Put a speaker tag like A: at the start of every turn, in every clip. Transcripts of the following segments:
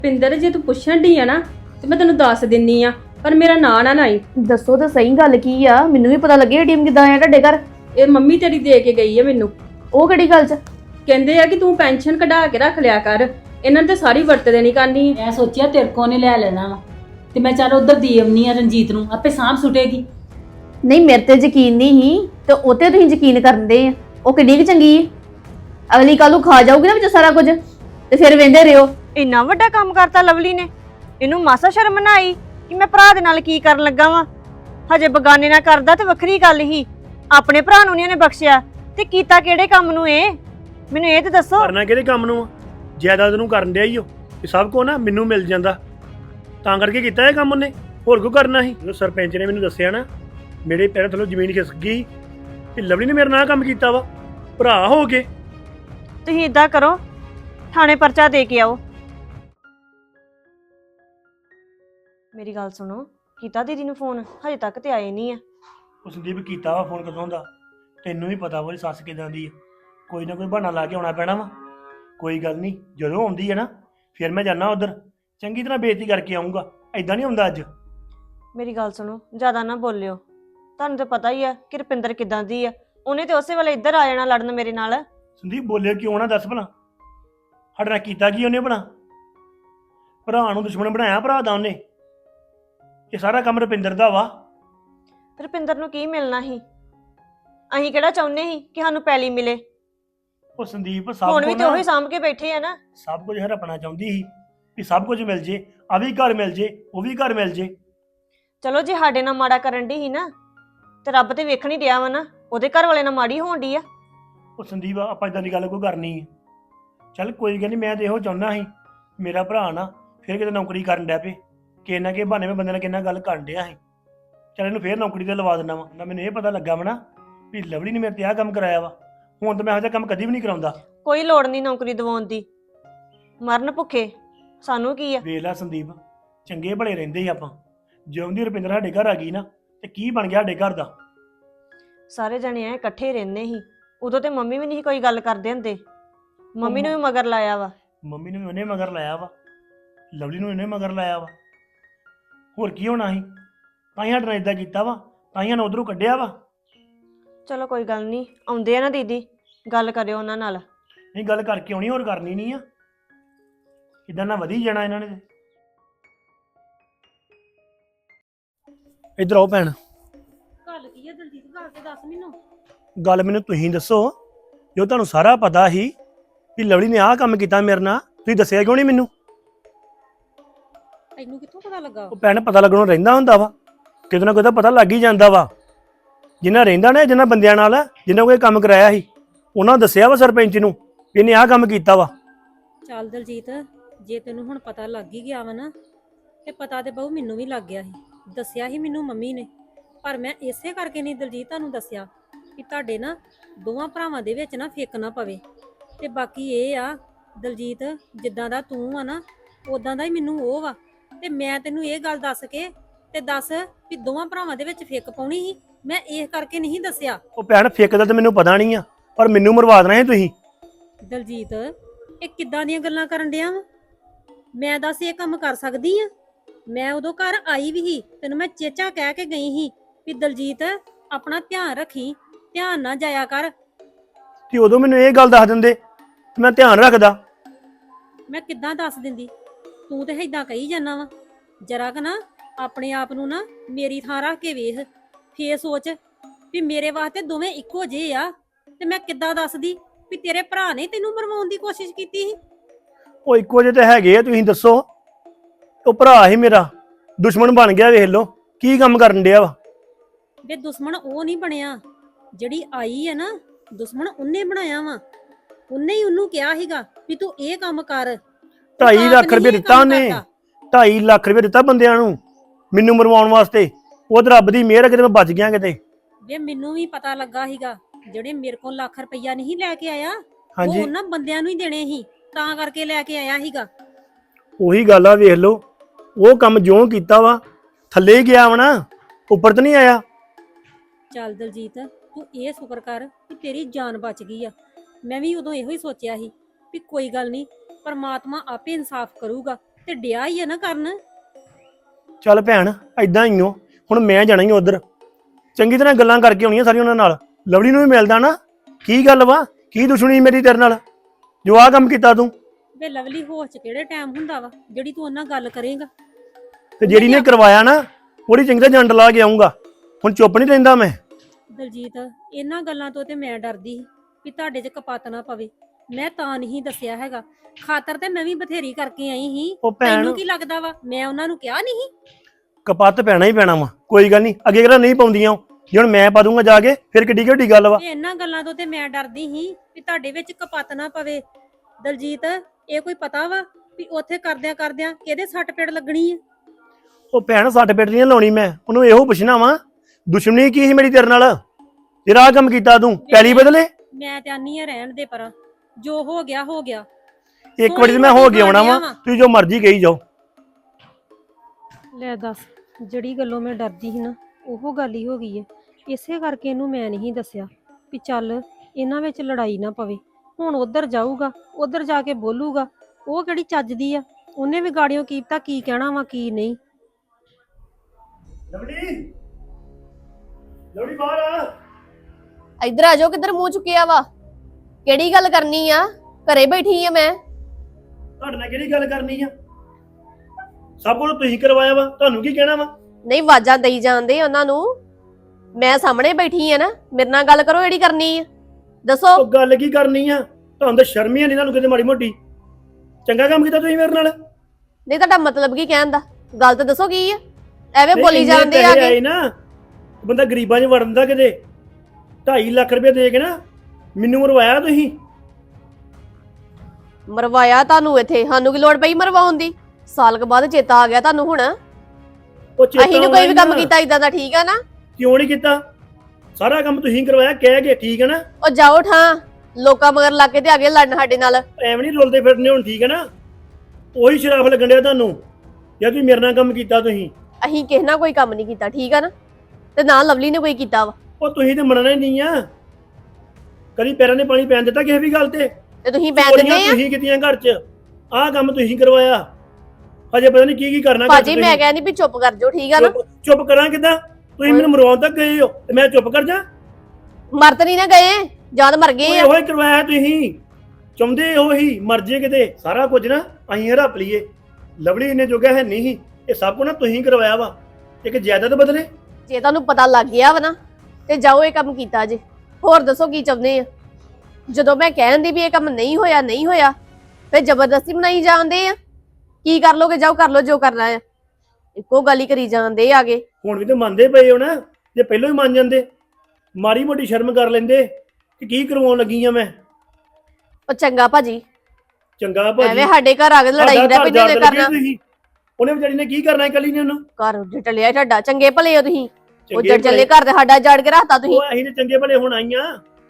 A: ਪਿੰਦਰ ਜੇ ਤੂੰ ਪੁੱਛਣ ਢੀ ਆ ਨਾ ਤੇ ਮੈਂ ਤੈਨੂੰ ਦੱਸ ਦਿੰਨੀ ਆ, ਪਰ ਮੇਰਾ ਨਾਂ ਨਾ ਲਾਈ।
B: ਦੱਸੋ ਤਾਂ ਸਹੀ ਗੱਲ ਕੀ ਆ, ਮੈਨੂੰ ਵੀ ਪਤਾ ਲੱਗੇ ਏਟੀਐਮ ਕਿੱਦਾਂ ਆਇਆ ਤੁਹਾਡੇ ਘਰ।
A: ਇਹ ਮੰਮੀ ਤੇਰੀ ਦੇ ਕੇ ਗਈ ਆ ਮੈਨੂੰ।
B: ਉਹ ਕਿਹੜੀ ਗੱਲ 'ਚ?
A: ਕਹਿੰਦੇ ਆ ਕਿ ਤੂੰ ਪੈਨਸ਼ਨ ਕਢਾ ਕੇ ਰੱਖ ਲਿਆ ਕਰ, ਇਹਨਾਂ ਨੇ ਤੇ ਸਾਰੀ ਵਰਤਦੇ ਨਹੀਂ ਕਰਨੀ।
C: ਮੈਂ ਸੋਚਿਆ ਤੇਰੇ ਕੋ ਨੇ ਲੈ ਲੈਣਾ ਵਾ ਤੇ ਮੈਂ ਚੱਲ ਉਧਰ ਦੇ ਆਉਣੀ ਆ ਰਣਜੀਤ ਨੂੰ, ਆਪੇ ਸਾਂਭ ਸੁਟੇਗੀ।
B: ਨਹੀਂ ਮੇਰੇ ਤੇ ਯਕੀਨ ਨਹੀਂ ਹੀ ਤੇ ਉਤੇ ਤੁਸੀਂ ਯਕੀਨ ਕਰਦੇ ਆ। ਉਹ ਕਿੰਨੀ ਕੁ ਚੰਗੀ ਹੈ, ਅਗਲੀ ਕੱਲ ਨੂੰ ਖਾ ਜਾਊਗੀ ਨਾ ਵਿੱਚ ਸਾਰਾ ਕੁਝ ਤੇ ਫਿਰ ਵੇਂਦੇ ਰਿਓ।
D: ਇੰਨਾ ਵੱਡਾ ਕੰਮ ਕਰਤਾ ਲਵਲੀ ਨੇ, ਇਹਨੂੰ ਮਾਸਾ ਸ਼ਰਮ ਨਾ ਆਈ ਕਿ ਮੈਂ ਭਰਾ ਦੇ ਨਾਲ ਕੀ ਕਰਨ ਲੱਗਾ ਵਾਂ। ਹਜੇ ਬਗਾਨੇ ਨਾਲ ਕਰਦਾ ਤੇ ਵੱਖਰੀ ਗੱਲ ਹੀ, ਆਪਣੇ ਭਰਾ ਨੂੰ ਨਹੀਂ ਉਹਨੇ ਬਖਸ਼ਿਆ ਤੇ ਕੀਤਾ ਕਿਹੜੇ ਕੰਮ ਨੂੰ? ਇਹ ਮੈਨੂੰ ਇਹ ਤੇ ਦੱਸੋ।
E: ਕਰਨਾ ਕਿਹੜੇ ਕੰਮ ਨੂੰ ਆ? ਜਾਇਦਾਦ ਨੂੰ ਕਰਨ ਡਿਆ ਹੀ ਉਹ, ਇਹ ਸਭ ਕੋ ਨਾ ਮੈਨੂੰ ਮਿਲ ਜਾਂਦਾ, ਤਾਂ ਕਰਕੇ ਕੀਤਾ ਇਹ ਕੰਮ ਉਹਨੇ, ਹੋਰ ਕੋ ਕਰਨਾ ਸੀ। ਜਦੋਂ ਸਰਪੰਚ ਨੇ ਮੈਨੂੰ ਦੱਸਿਆ ਨਾ, ਮੇਰੇ ਪੈਰਾਂ ਥੱਲੋਂ ਜ਼ਮੀਨ ਖਿਸਕ ਗਈ ਕਿ ਲਵਲੀ ਨੇ ਮੇਰੇ ਨਾਲ ਕੰਮ ਕੀਤਾ ਵਾ, ਭਰਾ ਹੋ ਕੇ।
D: ਤੁਸੀਂ ਇਦਾਂ ਕਰੋ, ਥਾਣੇ ਪਰਚਾ ਦੇ ਕੇ ਆਓ। ਮੇਰੀ ਗੱਲ ਸੁਣੋ, ਕੀਤਾ ਦੀਦੀ ਨੂੰ ਫੋਨ? ਹਜੇ ਤੱਕ ਤੇ ਆਏ ਨਹੀਂ ਆ।
E: ਉਹ ਸੰਦੀਪ ਕੀਤਾ ਵਾ ਫੋਨ ਕਦੋਂ ਦਾ, ਤੈਨੂੰ ਵੀ ਪਤਾ ਵਾ ਸੱਸ ਕਿਦਾਂ ਦੀ ਆ, ਕੋਈ ਨਾ ਕੋਈ ਬਹਾਨਾ ਲਾ ਕੇ ਆਉਣਾ ਪੈਣਾ ਵਾ। ਕੋਈ ਗੱਲ ਨਹੀਂ, ਜਦੋਂ ਆਉਂਦੀ ਹੈ ਨਾ ਫਿਰ ਮੈਂ ਜਾਣਾ ਉਧਰ, ਚੰਗੀ ਤਰ੍ਹਾਂ ਬੇਇੱਜ਼ਤੀ ਕਰਕੇ ਆਉਂਗਾ, ਐਦਾਂ ਨਹੀਂ ਆਉਂਦਾ ਅੱਜ।
D: ਮੇਰੀ ਗੱਲ ਸੁਣੋ, ਜ਼ਿਆਦਾ ਨਾ ਬੋਲਿਓ, ਤੁਹਾਨੂੰ ਤਾਂ ਪਤਾ ਹੀ ਆ ਕਿ ਰੁਪਿੰਦਰ ਕਿਦਾਂ ਦੀ ਆ। ਉਹਨੇ ਤੇ ਉਸੇ ਵੇਲੇ ਇੱਧਰ ਆ ਜਾਣਾ ਲੜਨ ਮੇਰੇ ਨਾਲ।
E: ਸੰਦੀਪ ਬੋਲਿਆ ਕਿਉਂ ਨਾ, ਦੱਸ ਭਲਾ ਸਾਡੇ ਨਾਲ ਕੀਤਾ ਕੀ ਉਹਨੇ? ਭਲਾ ਭਰਾ ਨੂੰ ਦੁਸ਼ਮਣ ਬਣਾਇਆ ਭਰਾ ਦਾ ਉਹਨੇ। ਇਹ ਸਾਰਾ ਕੰਮ ਰੁਪਿੰਦਰ ਦਾ ਵਾ।
D: ਰੁਪਿੰਦਰ ਨੂੰ ਕੀ ਮਿਲਣਾ ਸੀ? ਅਸੀਂ ਕਿਹੜਾ ਚਾਹੁੰਦੇ ਸੀ ਕਿ ਸਾਨੂੰ ਪੈਲੀ ਮਿਲੇ?
E: ਉਹ ਸੰਦੀਪ ਸਭ
D: ਹੁਣ ਵੀ
E: ਕੁਝ
D: ਤੇ ਉਹੀ ਸਾਂਭ ਕੇ ਬੈਠੇ ਆ ਨਾ।
E: ਸਭ ਕੁਝ ਹਰਪਣਾ ਚਾਹੁੰਦੀ ਸੀ ਵੀ ਸਭ ਕੁਝ ਮਿਲ ਜੇ, ਆ ਵੀ ਘਰ ਮਿਲ ਜੇ, ਉਹ ਵੀ ਘਰ ਮਿਲ ਜੇ।
D: ਚਲੋ ਜੇ ਸਾਡੇ ਨਾਲ ਮਾੜਾ ਕਰਨ ਦੀ ਸੀ ਨਾ, ਤੇ ਰੱਬ ਤੇ ਵੇਖਣ ਹੀ ਡਿਆ ਵਾ ਨਾ, ਉਹਦੇ ਘਰ ਵਾਲੇ ਨਾਲ ਮਾੜੀ ਹੋਣ ਡਈ ਆ।
E: ਉਹ ਸੰਦੀਪ ਆਪਾਂ ਇਦਾਂ ਦੀ ਗੱਲ ਕੋਈ ਕਰਨੀ ਹੈ? ਚੱਲ ਕੋਈ ਗੱਲ ਨਹੀਂ, ਮੈਂ ਤੇ ਇਹੋ ਚਾਹੁੰਦਾ ਸੀ ਮੇਰਾ ਭਰਾ ਨਾ ਫਿਰ ਕਿਤੇ ਨੌਕਰੀ ਕਰਨ ਡਿਆ ਪਏ, ਕਿ ਨਾ ਕਿ ਬਹਾਨੇ ਮੈਂ ਬੰਦੇ ਨਾਲ ਕਿੰਨਾ ਗੱਲ ਕਰਨ ਡਿਆ ਸੀ। ਚੱਲ ਇਹਨੂੰ ਫੇਰ ਨੌਕਰੀ ਤੇ ਲਵਾ ਦਿੰਦਾ ਵਾ ਨਾ। ਮੈਨੂੰ ਇਹ ਪਤਾ ਲੱਗਾ ਵਾ ਨਾ ਵੀ ਲਵਲੀ ਨੇ ਮੇਰੇ ਤੇ ਆਹ ਕੰਮ ਕਰਾਇਆ ਵਾ, ਹੁਣ ਤਾਂ ਮੈਂ ਇਹੋ ਜਿਹਾ ਕੰਮ ਕਦੀ ਵੀ ਨਹੀਂ ਕਰਾਉਂਦਾ।
D: ਕੋਈ ਲੋੜ ਨਹੀਂ ਨੌਕਰੀ ਦਿਵਾਉਣ ਦੀ, ਮਰਨ ਭੁੱਖੇ ਸਾਨੂੰ ਕੀ ਆ।
E: ਵੇਖ ਲੈ ਸੰਦੀਪ, ਚੰਗੇ ਭਲੇ ਰਹਿੰਦੇ ਸੀ ਆਪਾਂ, ਜਿਉਂ ਦੀ ਰੁਪਿੰਦਰ ਸਾਡੇ ਘਰ ਆ ਗਈ ਨਾ ਤੇ ਕੀ ਬਣ ਗਿਆ ਸਾਡੇ ਘਰ ਦਾ।
D: ਸਾਰੇ ਜਣੇ ਐ ਇਕੱਠੇ ਰਹਿੰਦੇ ਸੀ, ਉਦੋਂ ਤੇ ਮੰਮੀ ਵੀ ਨਹੀਂ ਕੋਈ ਗੱਲ ਕਰਦੇ ਹੁੰਦੇ। ਮੰਮੀ ਨੂੰ ਵੀ ਮਗਰ ਲਾਇਆ ਵਾ।
E: ਮੰਮੀ ਨੂੰ ਵੀ ਉਹਨੇ ਮਗਰ ਲਾਇਆ ਵਾ, ਲਵਲੀ ਨੂੰ ਇਹਨੇ ਮਗਰ ਲਾਇਆ ਵਾ, ਹੋਰ ਕੀ ਹੋਣਾ ਸੀ? ਤਾਂ ਹੀ ਸਾਡੇ ਨਾਲ ਇਦਾਂ ਕੀਤਾ ਵਾ, ਤਾਂ ਹੀ ਸਾਨੂੰ ਉਧਰੋਂ ਕੱਢਿਆ ਵਾ।
D: ਚਲੋ ਕੋਈ ਗੱਲ ਨਹੀਂ, ਆਉਂਦੇ ਆ ਨਾ ਦੀਦੀ, ਗੱਲ ਕਰਿਓ ਉਹਨਾਂ ਨਾਲ।
E: ਨਹੀਂ ਗੱਲ ਕਰਕੇ ਆਉਣੀ, ਹੋਰ ਕਰਨੀ ਨਹੀਂ ਆ। ਇਦਾਂ ਨਾ ਵਧੀ ਜਾਣਾ ਇਹਨਾਂ ਨੇ। ਇੱਧਰ ਆਓ ਭੈਣ।
A: ਗੱਲ ਕੀ ਆ ਦਲਜੀਤ? ਗੱਲ ਤੇ ਦੱਸ ਮੈਨੂੰ।
E: ਗੱਲ ਮੈਨੂੰ ਤੁਸੀਂ ਦੱਸੋ, ਜੋ ਤੁਹਾਨੂੰ ਸਾਰਾ ਪਤਾ ਸੀ ਵੀ ਲਵਲੀ ਨੇ ਆਹ ਕੰਮ ਕੀਤਾ ਮੇਰੇ ਨਾਲ, ਤੁਸੀਂ ਦੱਸਿਆ ਕਿਉਂ ਨਹੀਂ ਮੈਨੂੰ?
A: ਤੈਨੂੰ ਕਿੱਥੋਂ ਪਤਾ ਲੱਗਾ?
E: ਉਹ ਭੈਣ ਪਤਾ ਲੱਗਣੋਂ ਰਹਿੰਦਾ ਹੁੰਦਾ ਵਾ, ਕਿਤੇ ਨਾ ਕਿਤੇ ਪਤਾ ਲੱਗ ਹੀ ਜਾਂਦਾ ਵਾ। ਜਿੰਨਾ ਰਹਿੰਦਾ ਨਾ, ਜਿੰਨਾ ਬੰਦਿਆਂ ਨਾਲ ਜਿੰਨਾ ਕੋਈ ਕੰਮ ਕਰਾਇਆ ਸੀ, ਉਹਨਾਂ ਦੱਸਿਆ ਵਾ ਸਰਪੰਚ ਨੂੰ ਵੀ ਇਹਨੇ ਆਹ ਕੰਮ ਕੀਤਾ ਵਾ।
F: ਚੱਲ ਦਲਜੀਤ, ਜੇ ਤੈਨੂੰ ਹੁਣ ਪਤਾ ਲੱਗ ਹੀ ਗਿਆ ਵਾ ਨਾ, ਤੇ ਪਤਾ ਤੇ ਬਹੁ ਮੈਨੂੰ ਵੀ ਲੱਗ ਗਿਆ ਸੀ, ਦੱਸਿਆ ਸੀ ਮੈਨੂੰ ਮੰਮੀ ਨੇ। ਪਰ ਮੈਂ ਇਸੇ ਕਰਕੇ ਨਹੀਂ ਦਲਜੀਤ ਤੁਹਾਨੂੰ ਦੱਸਿਆ ਕਿ ਤੁਹਾਡੇ ਨਾ ਦੋਵਾਂ ਭਰਾਵਾਂ ਦੇ ਵਿੱਚ ਨਾ ਫਿੱਕ ਨਾ ਪਵੇ। ਤੇ ਬਾਕੀ ਇਹ ਆ ਦਲਜੀਤ, ਜਿੱਦਾਂ ਦਾ ਤੂੰ ਆ ਨਾ ਉਦਾਂ ਦਾ ਹੀ ਮੈਨੂੰ ਉਹ ਵਾ। ਤੇ ਮੈਂ ਤੈਨੂੰ ਇਹ ਗੱਲ ਦੱਸ ਕੇ ਤੇ ਦੱਸ ਵੀ ਦੋਵਾਂ ਭਰਾਵਾਂ ਦੇ ਵਿੱਚ ਫਿੱਕ ਪਾਉਣੀ ਸੀ, ਮੈਂ ਇਹ ਕਰਕੇ ਨਹੀਂ ਦੱਸਿਆ।
E: ਉਹ ਭੈਣ ਫਿੱਕ ਦਾ ਤਾਂ ਮੈਨੂੰ ਪਤਾ ਨਹੀਂ ਆ, ਪਰ ਮੈਨੂੰ ਮਰਵਾ ਦੇਣਾ ਸੀ ਤੁਸੀਂ।
F: ਦਲਜੀਤ ਇਹ ਕਿੱਦਾਂ ਦੀਆਂ ਗੱਲਾਂ ਕਰਨ ਡਿਆ ਵਾ? ਮੈਂ ਦੱਸ ਇਹ ਕੰਮ ਕਰ ਸਕਦੀ ਆ? ਮੈਂ ਉਦੋਂ ਘਰ ਆਈ ਵੀ ਸੀ, ਤੈਨੂੰ ਮੈਂ ਚੇਚਾ ਕਹਿ ਕੇ ਗਈ ਸੀ ਵੀ ਦਲਜੀਤ ਆਪਣਾ ਧਿਆਨ ਰੱਖੀ, ਧਿਆਨ ਨਾ ਜਾਇਆ ਕਰ।
E: ਤੇ ਉਦੋਂ ਮੈਨੂੰ ਇਹ ਗੱਲ ਦੱਸ ਦਿੰਦੇ ਤੇ ਮੈਂ ਧਿਆਨ ਰੱਖਦਾ।
F: ਮੈਂ ਕਿੱਦਾਂ ਦੱਸ ਦਿੰਦੀ? ਤੂੰ ਤੇ ਏਦਾਂ ਕਹੀ ਜਾਂਦਾ ਵਾ। ਜਰਾ ਕ ਨਾ ਆਪਣੇ ਆਪ ਨੂੰ ਨਾ ਮੇਰੀ ਥਾਂ ਰੱਖ ਕੇ ਵੇਖ, ਫੇਰ ਸੋਚ ਵੀ ਮੇਰੇ ਵਾਸਤੇ ਦੋਵੇਂ ਇੱਕੋ ਜਿਹੇ ਆ, ਤੇ ਮੈਂ ਕਿੱਦਾਂ ਦੱਸਦੀ ਵੀ ਤੇਰੇ ਭਰਾ ਨੇ ਤੈਨੂੰ ਮਰਵਾਉਣ ਦੀ ਕੋਸ਼ਿਸ਼ ਕੀਤੀ ਸੀ?
E: ਉਹ ਇੱਕੋ ਜਿਹੇ ਤੇ ਹੈਗੇ ਆ, ਤੁਸੀਂ ਦੱਸੋ। ਉਹ ਭਰਾ ਹੀ ਮੇਰਾ ਦੁਸ਼ਮਣ ਬਣ ਗਿਆ, ਵੇਖ ਲਓ ਕੀ ਕੰਮ ਕਰਨ ਡਿਆ ਵਾ।
F: ਵੇ ਦੁਸ਼ਮਣ ਉਹ ਨਹੀਂ ਬਣਿਆ, ਜਿਹੜੀ ਆਈ ਹੈ ਨਾ ਦੁਸ਼ਮਣ ਉਹਨੇ ਬਣਾਇਆ ਵਾ। ਉਹਨੇ ਹੀ ਉਹਨੂੰ ਕਿਹਾ ਸੀਗਾ ਵੀ ਤੂੰ ਇਹ ਕੰਮ ਕਰ।
E: 2.5 ਲੱਖ ਰੁਪਏ ਦਿੱਤਾ ਉਹਨੇ, 2.5 ਲੱਖ ਰੁਪਏ ਦਿੱਤਾ ਬੰਦਿਆਂ ਨੂੰ ਮੈਨੂੰ ਮਰਵਾਉਣ ਵਾਸਤੇ। ਉਹ ਤਾਂ ਰੱਬ ਦੀ ਮਿਹਰ ਹੈ ਕਿਤੇ ਮੈਂ ਬਚ ਗਿਆ ਕਿਤੇ।
F: ਵੇ ਮੈਨੂੰ ਵੀ ਪਤਾ ਲੱਗਾ ਸੀਗਾ, ਜਿਹੜੇ ਮੇਰੇ ਕੋਲ ਲੱਖ ਰੁਪਈਆ ਨਹੀਂ ਲੈ ਕੇ ਆਇਆ, ਉਹ
E: ਹਾਂਜੀ
F: ਉਹਨਾਂ ਬੰਦਿਆਂ ਨੂੰ ਹੀ ਦੇਣੇ ਸੀ, ਤਾਂ ਕਰਕੇ ਲੈ ਕੇ ਆਇਆ ਸੀਗਾ।
E: ਉਹੀ ਗੱਲ ਆ, ਵੇਖ ਲਓ ਉਹ ਕੰਮ ਜਿਉਂ ਕੀਤਾ ਵਾ ਥੱਲੇ ਹੀ ਗਿਆ ਵਾ ਨਾ, ਉੱਪਰ ਤਾਂ ਨਹੀਂ ਆਇਆ।
F: ਚੱਲ ਦਲਜੀਤ, ਤੂੰ ਇਹ ਸ਼ੁਕਰ ਕਰ ਕਿ ਤੇਰੀ ਜਾਨ ਬਚ ਗਈ ਆ। ਮੈਂ ਵੀ ਉਦੋਂ ਇਹੋ ਹੀ ਸੋਚਿਆ ਸੀ ਵੀ ਕੋਈ ਗੱਲ ਨਹੀਂ, ਪਰਮਾਤਮਾ ਆਪੇ ਇਨਸਾਫ ਕਰੂਗਾ। ਤੇ ਡਿਆ ਹੀ ਆ ਨਾ ਕਰਨ।
E: ਚੱਲ ਭੈਣ ਐਦਾਂ ਹੀ ਹੋ, ਹੁਣ ਮੈਂ ਜਾਣਾ ਹੀ ਉਧਰ, ਚੰਗੀ ਤਰ੍ਹਾਂ ਗੱਲਾਂ ਕਰਕੇ ਆਉਣੀਆਂ ਸਾਰੀਆਂ ਉਹਨਾਂ ਨਾਲ। ਲਵਲੀ ਨੂੰ ਵੀ ਮਿਲਦਾ ਨਾ, ਕੀ ਗੱਲ ਵਾ, ਕੀ ਦੁਸ਼ਮਣੀ ਮੇਰੀ ਤੇਰੇ ਨਾਲ ਜੋ ਆਹ ਕੰਮ ਕੀਤਾ ਤੂੰ।
F: ਵੇ ਲਵਲੀ ਹੋਸ਼ ਚ ਕਿਹੜੇ ਟਾਈਮ ਹੁੰਦਾ ਵਾ ਜਿਹੜੀ ਤੂੰ ਉਹਨਾਂ ਗੱਲ ਕਰੇਗਾ।
E: ਤੇ ਜਿਹੜੀ ਨੇ ਕਰਵਾਇਆ ਨਾ ਉਹਦੀ ਚੰਗੀ ਤਰ੍ਹਾਂ ਜੰਡ ਲਾ ਕੇ ਆਉਂਗਾ। ਹੁਣ ਚੁੱਪ ਨਹੀਂ ਰਹਿੰਦਾ ਮੈਂ।
F: ਦਲਜੀਤ ਇਹਨਾਂ ਗੱਲਾਂ ਤੋਂ ਤੇ ਮੈਂ ਡਰਦੀ ਸੀ ਵੀ ਤੁਹਾਡੇ 'ਚ ਕਪੱਤ ਨਾ ਪਵੇ, ਮੈਂ ਤਾਂ ਨਹੀਂ ਦੱਸਿਆ ਹੈਗਾ। ਖਾਤਰ ਤੇ ਮੈਂ ਵੀ ਬਥੇਰੀ ਕਰਕੇ ਆਈ ਸੀ।
E: ਉਹ ਭੈਣ
F: ਤੈਨੂੰ ਕੀ ਲੱਗਦਾ ਵਾ ਮੈਂ ਉਹਨਾਂ ਨੂੰ ਕਿਹਾ ਨਹੀਂ?
E: ਕਪੱਤ ਪੈਣਾ ਹੀ ਪੈਣਾ ਵਾ, ਕੋਈ ਗੱਲ ਨਹੀਂ, ਅੱਗੇ ਕਿਹੜਾ ਨਹੀਂ ਪਾਉਂਦੀਆਂ ਉਹ। ਜੇ ਹੁਣ ਮੈਂ ਪਾ ਦੂੰਗਾ ਜਾ ਕੇ ਫਿਰ ਕਿੱਡੀ ਕਿੱਡੀ ਗੱਲ ਵਾ।
F: ਤੇ ਇਹਨਾਂ ਗੱਲਾਂ ਤੋਂ ਤੇ ਮੈਂ ਡਰਦੀ ਸੀ ਵੀ ਤੁਹਾਡੇ ਵਿੱਚ ਕਪੱਤ ਨਾ ਪਵੇ। ਦਲਜੀਤ ਇਹ ਕੋਈ ਪਤਾ ਵਾ ਵੀ ਉੱਥੇ ਕਰਦਿਆਂ ਕਰਦਿਆਂ ਕਿਹਦੇ ਸੱਟ ਪੇੜ ਲੱਗਣੀ ਆ?
E: ਉਹ ਭੈਣ ਸੱਟ ਪੇਟ ਨਹੀਂ ਲਾਉਣੀ, ਮੈਂ ਉਹਨੂੰ ਇਹੋ ਪੁੱਛਣਾ ਵਾ ਦੁਸ਼ਮਣੀ ਕੀ ਸੀ ਮੇਰੀ ਤੇਰੇ ਨਾਲ, ਜਿਹੜਾ ਆਹ ਕੰਮ ਕੀਤਾ ਤੂੰ ਪੈਲੀ ਬਦਲੇ।
F: ਮੈਂ ਤੇ ਆਨੀ ਆ ਰਹਿਣ ਦੇ ਪਰਾਂ, ਜੋ ਹੋ ਗਿਆ ਹੋ ਗਿਆ।
E: ਇੱਕ ਵਾਰੀ ਤੇ ਮੈਂ ਹੋ ਗਿਆ ਆਉਣਾ ਵਾ, ਤੁਸੀਂ ਜੋ ਮਰਜ਼ੀ ਕਹੀ ਜਾਓ।
F: ਲੈ ਦੱਸ, ਜਿਹੜੀ ਗੱਲੋਂ ਮੈਂ ਡਰਦੀ ਸੀ ਨਾ ਉਹ ਗੱਲ ਹੀ ਹੋ ਗਈ ਏ। ਇਸੇ ਕਰਕੇ ਇਹਨੂੰ ਮੈਂ ਨਹੀਂ ਦੱਸਿਆ ਵੀ ਚੱਲ ਇਹਨਾਂ ਵਿੱਚ ਲੜਾਈ ਨਾ ਪਵੇ। ਹੁਣ ਉਧਰ ਜਾਊਗਾ, ਉਧਰ ਜਾ ਕੇ ਬੋਲੂਗਾ, ਉਹ ਕਿਹੜੀ ਚੱਜਦੀ ਆ, ਉਹਨੇ ਵੀ ਗਾੜੀਆਂ ਕੀ ਪਤਾ ਕੀ ਕਹਿਣਾ ਵਾ ਕੀ ਨਹੀਂ।
E: ਲਵਲੀ, ਲਵਲੀ ਬਾਹਰ ਆ।
B: ਇੱਧਰ ਆ ਜਾਓ, ਕਿੱਧਰ ਮੂੰਹ ਚੁੱਕਿਆ ਵਾ? ਕਿਹੜੀ ਗੱਲ ਕਰਨੀ ਆ? ਘਰੇ ਬੈਠੀ ਆ ਮੈਂ।
E: ਤੁਹਾਡੇ ਨਾਲ ਕਿਹੜੀ ਗੱਲ ਕਰਨੀ ਆ? ਸਭ ਕੁਝ ਤੁਸੀਂ ਕਰਵਾਇਆ ਵਾ, ਤੁਹਾਨੂੰ ਕੀ ਕਹਿਣਾ ਵਾ?
B: ਨਹੀਂ, ਆਵਾਜ਼ਾਂ ਦੇਈ ਜਾਂਦੇ ਉਹਨਾਂ ਨੂੰ, ਮੈਂ ਸਾਹਮਣੇ ਬੈਠੀ ਆ ਨਾ। ਮੇਰੇ ਨਾਲ ਗੱਲ ਕਰੋ, ਜਿਹੜੀ ਕਰਨੀ ਆ ਦੱਸੋ।
E: ਉਹ ਗੱਲ ਕੀ ਕਰਨੀ ਆ? ਤੁਹਾਨੂੰ ਤਾਂ ਸ਼ਰਮ ਹੀ ਨਹੀਂ ਤੁਹਾਨੂੰ ਕਿਤੇ ਮਾੜੀ ਮੋਟੀ। ਚੰਗਾ ਕੰਮ ਕੀਤਾ ਤੁਸੀਂ ਮੇਰੇ ਨਾਲ।
B: ਨਹੀਂ, ਤੁਹਾਡਾ ਮਤਲਬ ਕੀ ਕਹਿਣ ਦਾ? ਗੱਲ ਤਾਂ ਦੱਸੋ ਕੀ ਆ? ਐਵੇਂ
E: ਨਹੀਂ,
B: ਬੋਲੀ
E: ਇੰਨੇ
B: ਜਾਂਦੇ
E: ਪੈਸੇ
B: ਆਗੇ।
E: ਆਏ ਨਾ, ਬੰਦਾ ਗਰੀਬਾਂ 'ਚ ਵੜਨ ਦਾ ਕਿਤੇ 2.5 ਲੱਖ ਰੁਪਏ ਦੇ ਕੇ ਨਾ ਮੈਨੂੰ ਮਰਵਾਇਆ ਤੁਸੀਂ।
B: ਮਰਵਾਇਆ ਤੁਹਾਨੂੰ ਇੱਥੇ? ਸਾਨੂੰ ਕੀ ਲੋੜ ਪਈ ਮਰਵਾਉਣ ਦੀ? ਸਾਲ ਕੁ ਬਾਅਦ ਚੇਤਾ ਆ ਗਿਆ ਤੁਹਾਨੂੰ ਹੁਣ?
E: ਉਹ ਚੇਤਾ
B: ਅਸੀਂ ਨੀ ਕੋਈ ਵੀ ਕੰਮ
E: ਆਉਣਾ ਹੀ
B: ਕੀਤਾ ਇਦਾਂ ਦਾ, ਠੀਕ ਆ ਨਾ?
E: ਕਿਉਂ ਨਹੀਂ ਕੀਤਾ? ਸਾਰਾ ਕੰਮ ਤੁਸੀਂ ਕਰਵਾਇਆ ਕਹਿ ਕੇ, ਠੀਕ ਹੈ ਨਾ?
B: ਉਹ ਜਾਓ ਠਾਂ, ਲੋਕਾਂ ਮਗਰ ਲੱਗ ਕੇ ਤੇ ਆ ਗਏ ਲੜਨ ਸਾਡੇ ਨਾਲ।
E: ਐਵੇਂ ਨਹੀਂ ਰੁਲਦੇ ਫਿਰਨੇ ਹੁਣ, ਠੀਕ ਹੈ ਨਾ? ਉਹੀ ਸ਼ਰਾਫ ਲੱਗਣ ਡਿਆ ਤੁਹਾਨੂੰ ਜਾਂ ਤੁਸੀਂ ਮੇਰੇ ਨਾਲ ਕੰਮ ਕੀਤਾ ਤੁਸੀਂ।
B: ਅਸੀਂ ਕਿਸੇ ਨਾਲ ਕੋਈ ਕੰਮ ਨਹੀਂ ਕੀਤਾ, ਠੀਕ ਆ ਨਾ? ਤੇ ਨਾ ਲਵਲੀ ਨੇ ਕੋਈ ਕੀਤਾ ਵਾ।
E: ਉਹ ਤੁਸੀਂ ਤੇ ਮੰਨਣਾ ਹੀ ਨਹੀਂ ਆ, ਕਦੀ ਪੈਰਾਂ ਨੇ ਪਾਣੀ ਪੈਣ ਦਿੱਤਾ ਕਿਸੇ ਵੀ ਗੱਲ ਤੇ?
B: ਤੇ ਤੁਸੀਂ ਬੈਨ
E: ਚੋਰੀਆਂ
B: ਦਿੰਦੇ ਆ?
E: ਤੁਸੀਂ ਕੀਤੀਆਂ ਘਰ 'ਚ, ਆਹ ਕੰਮ ਤੁਸੀਂ ਕਰਵਾਇਆ, ਹਜੇ ਪਤਾ ਨਹੀਂ ਕੀ ਕਰਨਾ।
B: ਭਾਜੀ ਮੈਂ ਕਹਿੰਦੀ ਵੀ ਚੁੱਪ ਕਰ ਜਾਓ, ਠੀਕ ਆ ਨਾ?
E: ਚੁੱਪ ਕਰਾਂ ਕਿੱਦਾਂ? ਤੁਸੀਂ ਮੈਨੂੰ ਮਰਵਾਉਣ ਤੱਕ ਗਏ ਹੋ ਤੇ ਮੈਂ ਚੁੱਪ ਕਰ ਜਾ?
B: ਮਰ ਤਾਂ ਨਹੀਂ ਨਾ ਗਏ, ਜਾਂ ਤਾਂ ਮਰ ਗਏ ਆ।
E: ਉਹੋ ਹੀ ਕਰਵਾਇਆ ਤੁਸੀਂ, ਚਾਹੁੰਦੇ ਉਹੀ ਮਰ ਜੇ ਕਿਤੇ। ਸਾਰਾ ਕੁਝ ਨਾ ਅਸੀਂ ਹੜਪ ਲਈਏ, ਲਵਲੀ ਇੰਨੇ ਜੋਗਾ ਹੈ ਨਹੀਂ ਸੀ। ਇਹ ਸਭ ਕੁਝ ਨਾ ਤੁਸੀਂ ਕਰਵਾਇਆ ਵਾ, ਇੱਕ ਜਾਇਦਾਦ ਬਦਲੇ।
B: ਜੇ ਤੁਹਾਨੂੰ ਪਤਾ ਲੱਗ ਗਿਆ ਵਾ ਨਾ ਤੇ ਜਾਓ ਇਹ ਕੰਮ ਕੀਤਾ ਜੇ। ਹੋਰ ਦੱਸੋ ਕੀ ਚਾਹੁੰਦੇ ਆ? ਜਦੋਂ ਮੈਂ ਕਹਿੰਦੀ ਵੀ ਇਹ ਕੰਮ ਨਹੀਂ ਹੋਇਆ ਨਹੀਂ ਹੋਇਆ, ਫਿਰ ਜ਼ਬਰਦਸਤੀ ਬਣਾਈ ਜਾਂਦੇ ਆ। ਕੀ ਕਰ ਲੋਗੇ? ਜਾਓ ਕਰ ਲੋ ਜੋ ਕਰਨਾ ਆ। ਇੱਕੋ ਗੱਲ ਹੀ ਕਰੀ ਜਾਂਦੇ ਆਗੇ।
E: ਹੁਣ ਵੀ ਤੇ ਮੰਨਦੇ ਪਏ ਹੋ ਨਾ, ਜੇ ਪਹਿਲਾਂ ਹੀ ਮੰਨ ਜਾਂਦੇ, ਮਾੜੀ ਮੋਟੀ ਸ਼ਰਮ ਕਰ ਲੈਂਦੇ ਕਿ ਕੀ ਕਰਵਾਉਣ ਲੱਗੀ ਆ ਮੈਂ।
B: ਉਹ ਚੰਗਾ ਭਾਜੀ,
E: ਚੰਗਾ ਭਾਜੀ,
B: ਐਵੇਂ ਸਾਡੇ ਘਰ ਆ ਕੇ ਲੜਾਈ ਨਾ
E: ਸਾਡਾ
B: ਕੋਈ
E: ਘਰ
B: ਨੇ
E: ਜਾ
B: ਕਰਨਾ।
E: ਤੁਸੀਂ। ਉਹਨੇ ਵਿਚਾਰੀ ਨੇ ਕੀ ਕਰਨਾ ਇਕੱਲੀ ਨੇ? ਉਹਨੂੰ
B: ਘਰ ਉੱਜੜ ਲਿਆ ਤੁਹਾਡਾ। ਚੰਗੇ ਭਲੇ ਹੋ ਤੁਸੀਂ,
E: ਚੰਗੇ
B: ਉੱਜੜ ਚੱਲੇ
E: ਭਲੇ।
B: ਘਰ ਤੇ ਸਾਡਾ ਜੜ ਕੇ ਰੱਖਤਾ ਤੁਸੀਂ।
E: ਉਹ ਅਸੀਂ ਤੇ ਚੰਗੇ ਭਲੇ ਹੁਣ ਆਈਆਂ,